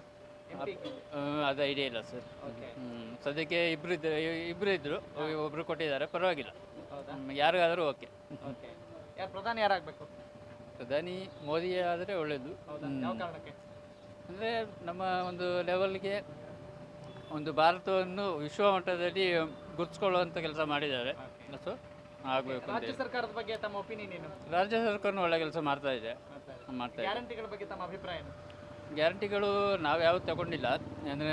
ಅದು ಐಡಿಯಾ ಇಲ್ಲ ಸರ್. ಸದ್ಯಕ್ಕೆ ಇಬ್ಬರು ಇದ್ದರು, ಒಬ್ಬರು ಕೊಟ್ಟಿದ್ದಾರೆ, ಪರವಾಗಿಲ್ಲ. ಯಾರಿಗಾದರೂ ಓಕೆ. ಓಕೆ, ಯಾರು ಪ್ರಧಾನಿ ಯಾರಾಗಬೇಕು? ಪ್ರಧಾನಿ ಮೋದಿ ಆದರೆ ಒಳ್ಳೆಯದು. ಯಾವ ಕಾರಣಕ್ಕೆ? ಅಂದರೆ ನಮ್ಮ ಒಂದು ಲೆವೆಲ್ಗೆ ಒಂದು ಭಾರತವನ್ನು ವಿಶ್ವ ಮಟ್ಟದಲ್ಲಿ ಗುರುತಿಸ್ಕೊಳ್ಳುವಂಥ ಕೆಲಸ ಮಾಡಿದ್ದಾರೆ. ಸೊ ಆಗಬೇಕು. ರಾಜ್ಯ ಸರ್ಕಾರದ ಬಗ್ಗೆ ತಮ್ಮ ಒಪಿನಿಯನ್ ಏನು? ರಾಜ್ಯ ಸರ್ಕಾರನೂ ಒಳ್ಳೆ ಕೆಲಸ ಮಾಡ್ತಾ ಇದೆ. ಗ್ಯಾರಂಟಿಗಳ ಬಗ್ಗೆ ತಮ್ಮ ಅಭಿಪ್ರಾಯ ಏನು? ಗ್ಯಾರಂಟಿಗಳು ನಾವು ಯಾವ್ದು ತಗೊಂಡಿಲ್ಲ, ಅಂದರೆ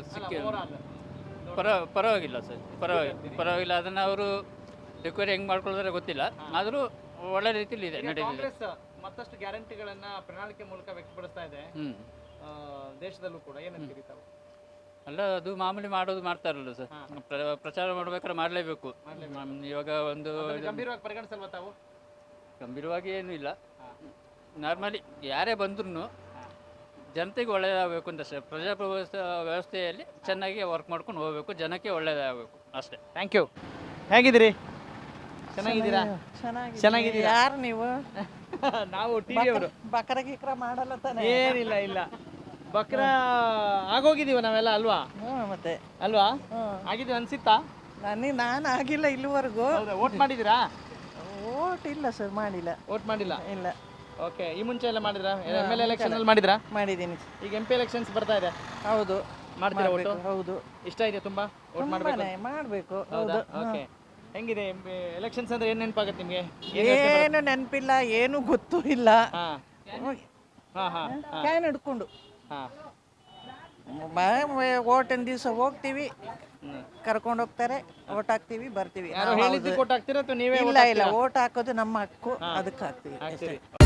ಪರವಾಗಿಲ್ಲ ಸರ್, ಪರವಾಗಿಲ್ಲ. ಅದನ್ನು ಅವರು ರಿಕ್ವೈರಿ ಹೆಂಗೆ ಮಾಡ್ಕೊಳ್ತಾರೆ ಗೊತ್ತಿಲ್ಲ, ಆದರೂ ಒಳ್ಳೆ ರೀತಿಯಲ್ಲಿ ಇದೆ, ನಡೀತಿದೆ. ಕಾಂಗ್ರೆಸ್ ಮತ್ತಷ್ಟು ಗ್ಯಾರಂಟಿಗಳನ್ನ ಪ್ರಣಾಳಿಕೆ ಮೂಲಕ ವ್ಯಕ್ತಪಡಿಸ್ತಾ ಇದೆ ದೇಶದಲ್ಲೂ ಕೂಡ, ಏನಂತೀರಿ ತಾವು? ಅಲ್ಲ, ಅದು ಮಾಮೂಲಿ ಮಾಡೋದು ಮಾಡ್ತಾರಲ್ಲ ಸರ್, ಪ್ರಚಾರ ಮಾಡ್ಬೇಕಾದ್ರೆ ಮಾಡಲೇಬೇಕು. ಇವಾಗ ಒಂದು ಗಂಭೀರವಾಗಿ ಪರಿಗಣಿಸಲ್ವಾ ತಾವು? ಗಂಭೀರವಾಗಿ ಏನೂ ಇಲ್ಲ, ನಾರ್ಮಲಿ ಯಾರೇ ಬಂದ್ರೂ ಜನತೆಗೆ ಒಳ್ಳೆಯದಾಗಬೇಕು ಅಂತ ಅಷ್ಟೇ. ಪ್ರಜಾಪ್ರಭುತ್ವ ವ್ಯವಸ್ಥೆಯಲ್ಲಿ ಚೆನ್ನಾಗಿ ವರ್ಕ್ ಮಾಡ್ಕೊಂಡು ಹೋಗಬೇಕು, ಜನಕ್ಕೆ ಒಳ್ಳೆಯದಾಗಬೇಕು ಅಷ್ಟೇ. Thank you. ಹೇಗಿದ್ದೀರಿ? ಚೆನ್ನಾಗಿದ್ದೀರಾ? ಚೆನ್ನಾಗಿದ್ದೀರಾ? ಯಾರು ನೀವು? ನಾವು ಟಿವಿ ಅವರು. ಬಕರ ಗಿಕ್ರ ಮಾಡಲ್ಲ ತಾನೆ? ಇಲ್ಲ ಬಕ್ರ ಆಗೋಗಿದೀವ ನಾವೆಲ್ಲ ಅಲ್ವಾ? ಮತ್ತೆ ಅಲ್ವಾ? ಆಗಿದೀವಿ ಅನ್ಸಿತ್ತಾ? ನಾನು ಆಗಿಲ್ಲ ಇಲ್ಲಿವರೆಗೂ. ವೋಟ್ ಮಾಡಿದಿರಾ? ವೋಟ್ ಇಲ್ಲ ಸರ್, ಮಾಡಿಲ್ಲ. ವೋಟ್ ಮಾಡಿಲ್ಲ? ಇಲ್ಲ. ಓಕೆ, ಈ ಮುಂಚೆ ಎಲ್ಲ ಮಾಡಿದ್ರಾ? MLA ಎಲೆಕ್ಷನ್ ಅಲ್ಲಿ ಮಾಡಿದ್ರಾ? ಮಾಡಿದ್ದೀನಿ. ಈಗ MP ಎಲೆಕ್ಷನ್ಸ್ ಬರ್ತಾ ಇದೆ. ಹೌದು. ಮಾಡ್ತೀರಾ ವೋಟ್? ಹೌದು. ಇಷ್ಟ ಇದೆ ತುಂಬಾ? ವೋಟ್ ಮಾಡಬೇಕು. ಹೌದು. ಓಕೆ, ಹೆಂಗಿದೆ ಎಲೆಕ್ಷನ್ಸ್ ಅಂದ್ರೆ ಏನ್ ನೆನಪಾಗುತ್ತೆ ನಿಮಗೆ? ಏನು ನೆನಪಿಲ್ಲ, ಏನು ಗೊತ್ತೂ ಇಲ್ಲ. ಕ್ಯಾನ್ ಹಿಡ್ಕೊಂಡು ಓಟಿನ ದಿವಸ ಹೋಗ್ತೀವಿ, ಕರ್ಕೊಂಡು ಹೋಗ್ತಾರೆ, ಓಟ್ ಹಾಕ್ತೀವಿ, ಬರ್ತೀವಿ. ಯಾರು ಹೇಳಿದ್ದು ಕೊಟ್ಟು ಹಾಕ್ತೀರಾ ಅಥವಾ ನೀವೇ? ಇಲ್ಲ, ಓಟ್ ಹಾಕೋದು ನಮ್ಮ ಹಕ್ಕು, ಅದಕ್ಕೆ ಹಾಕ್ತೀವಿ.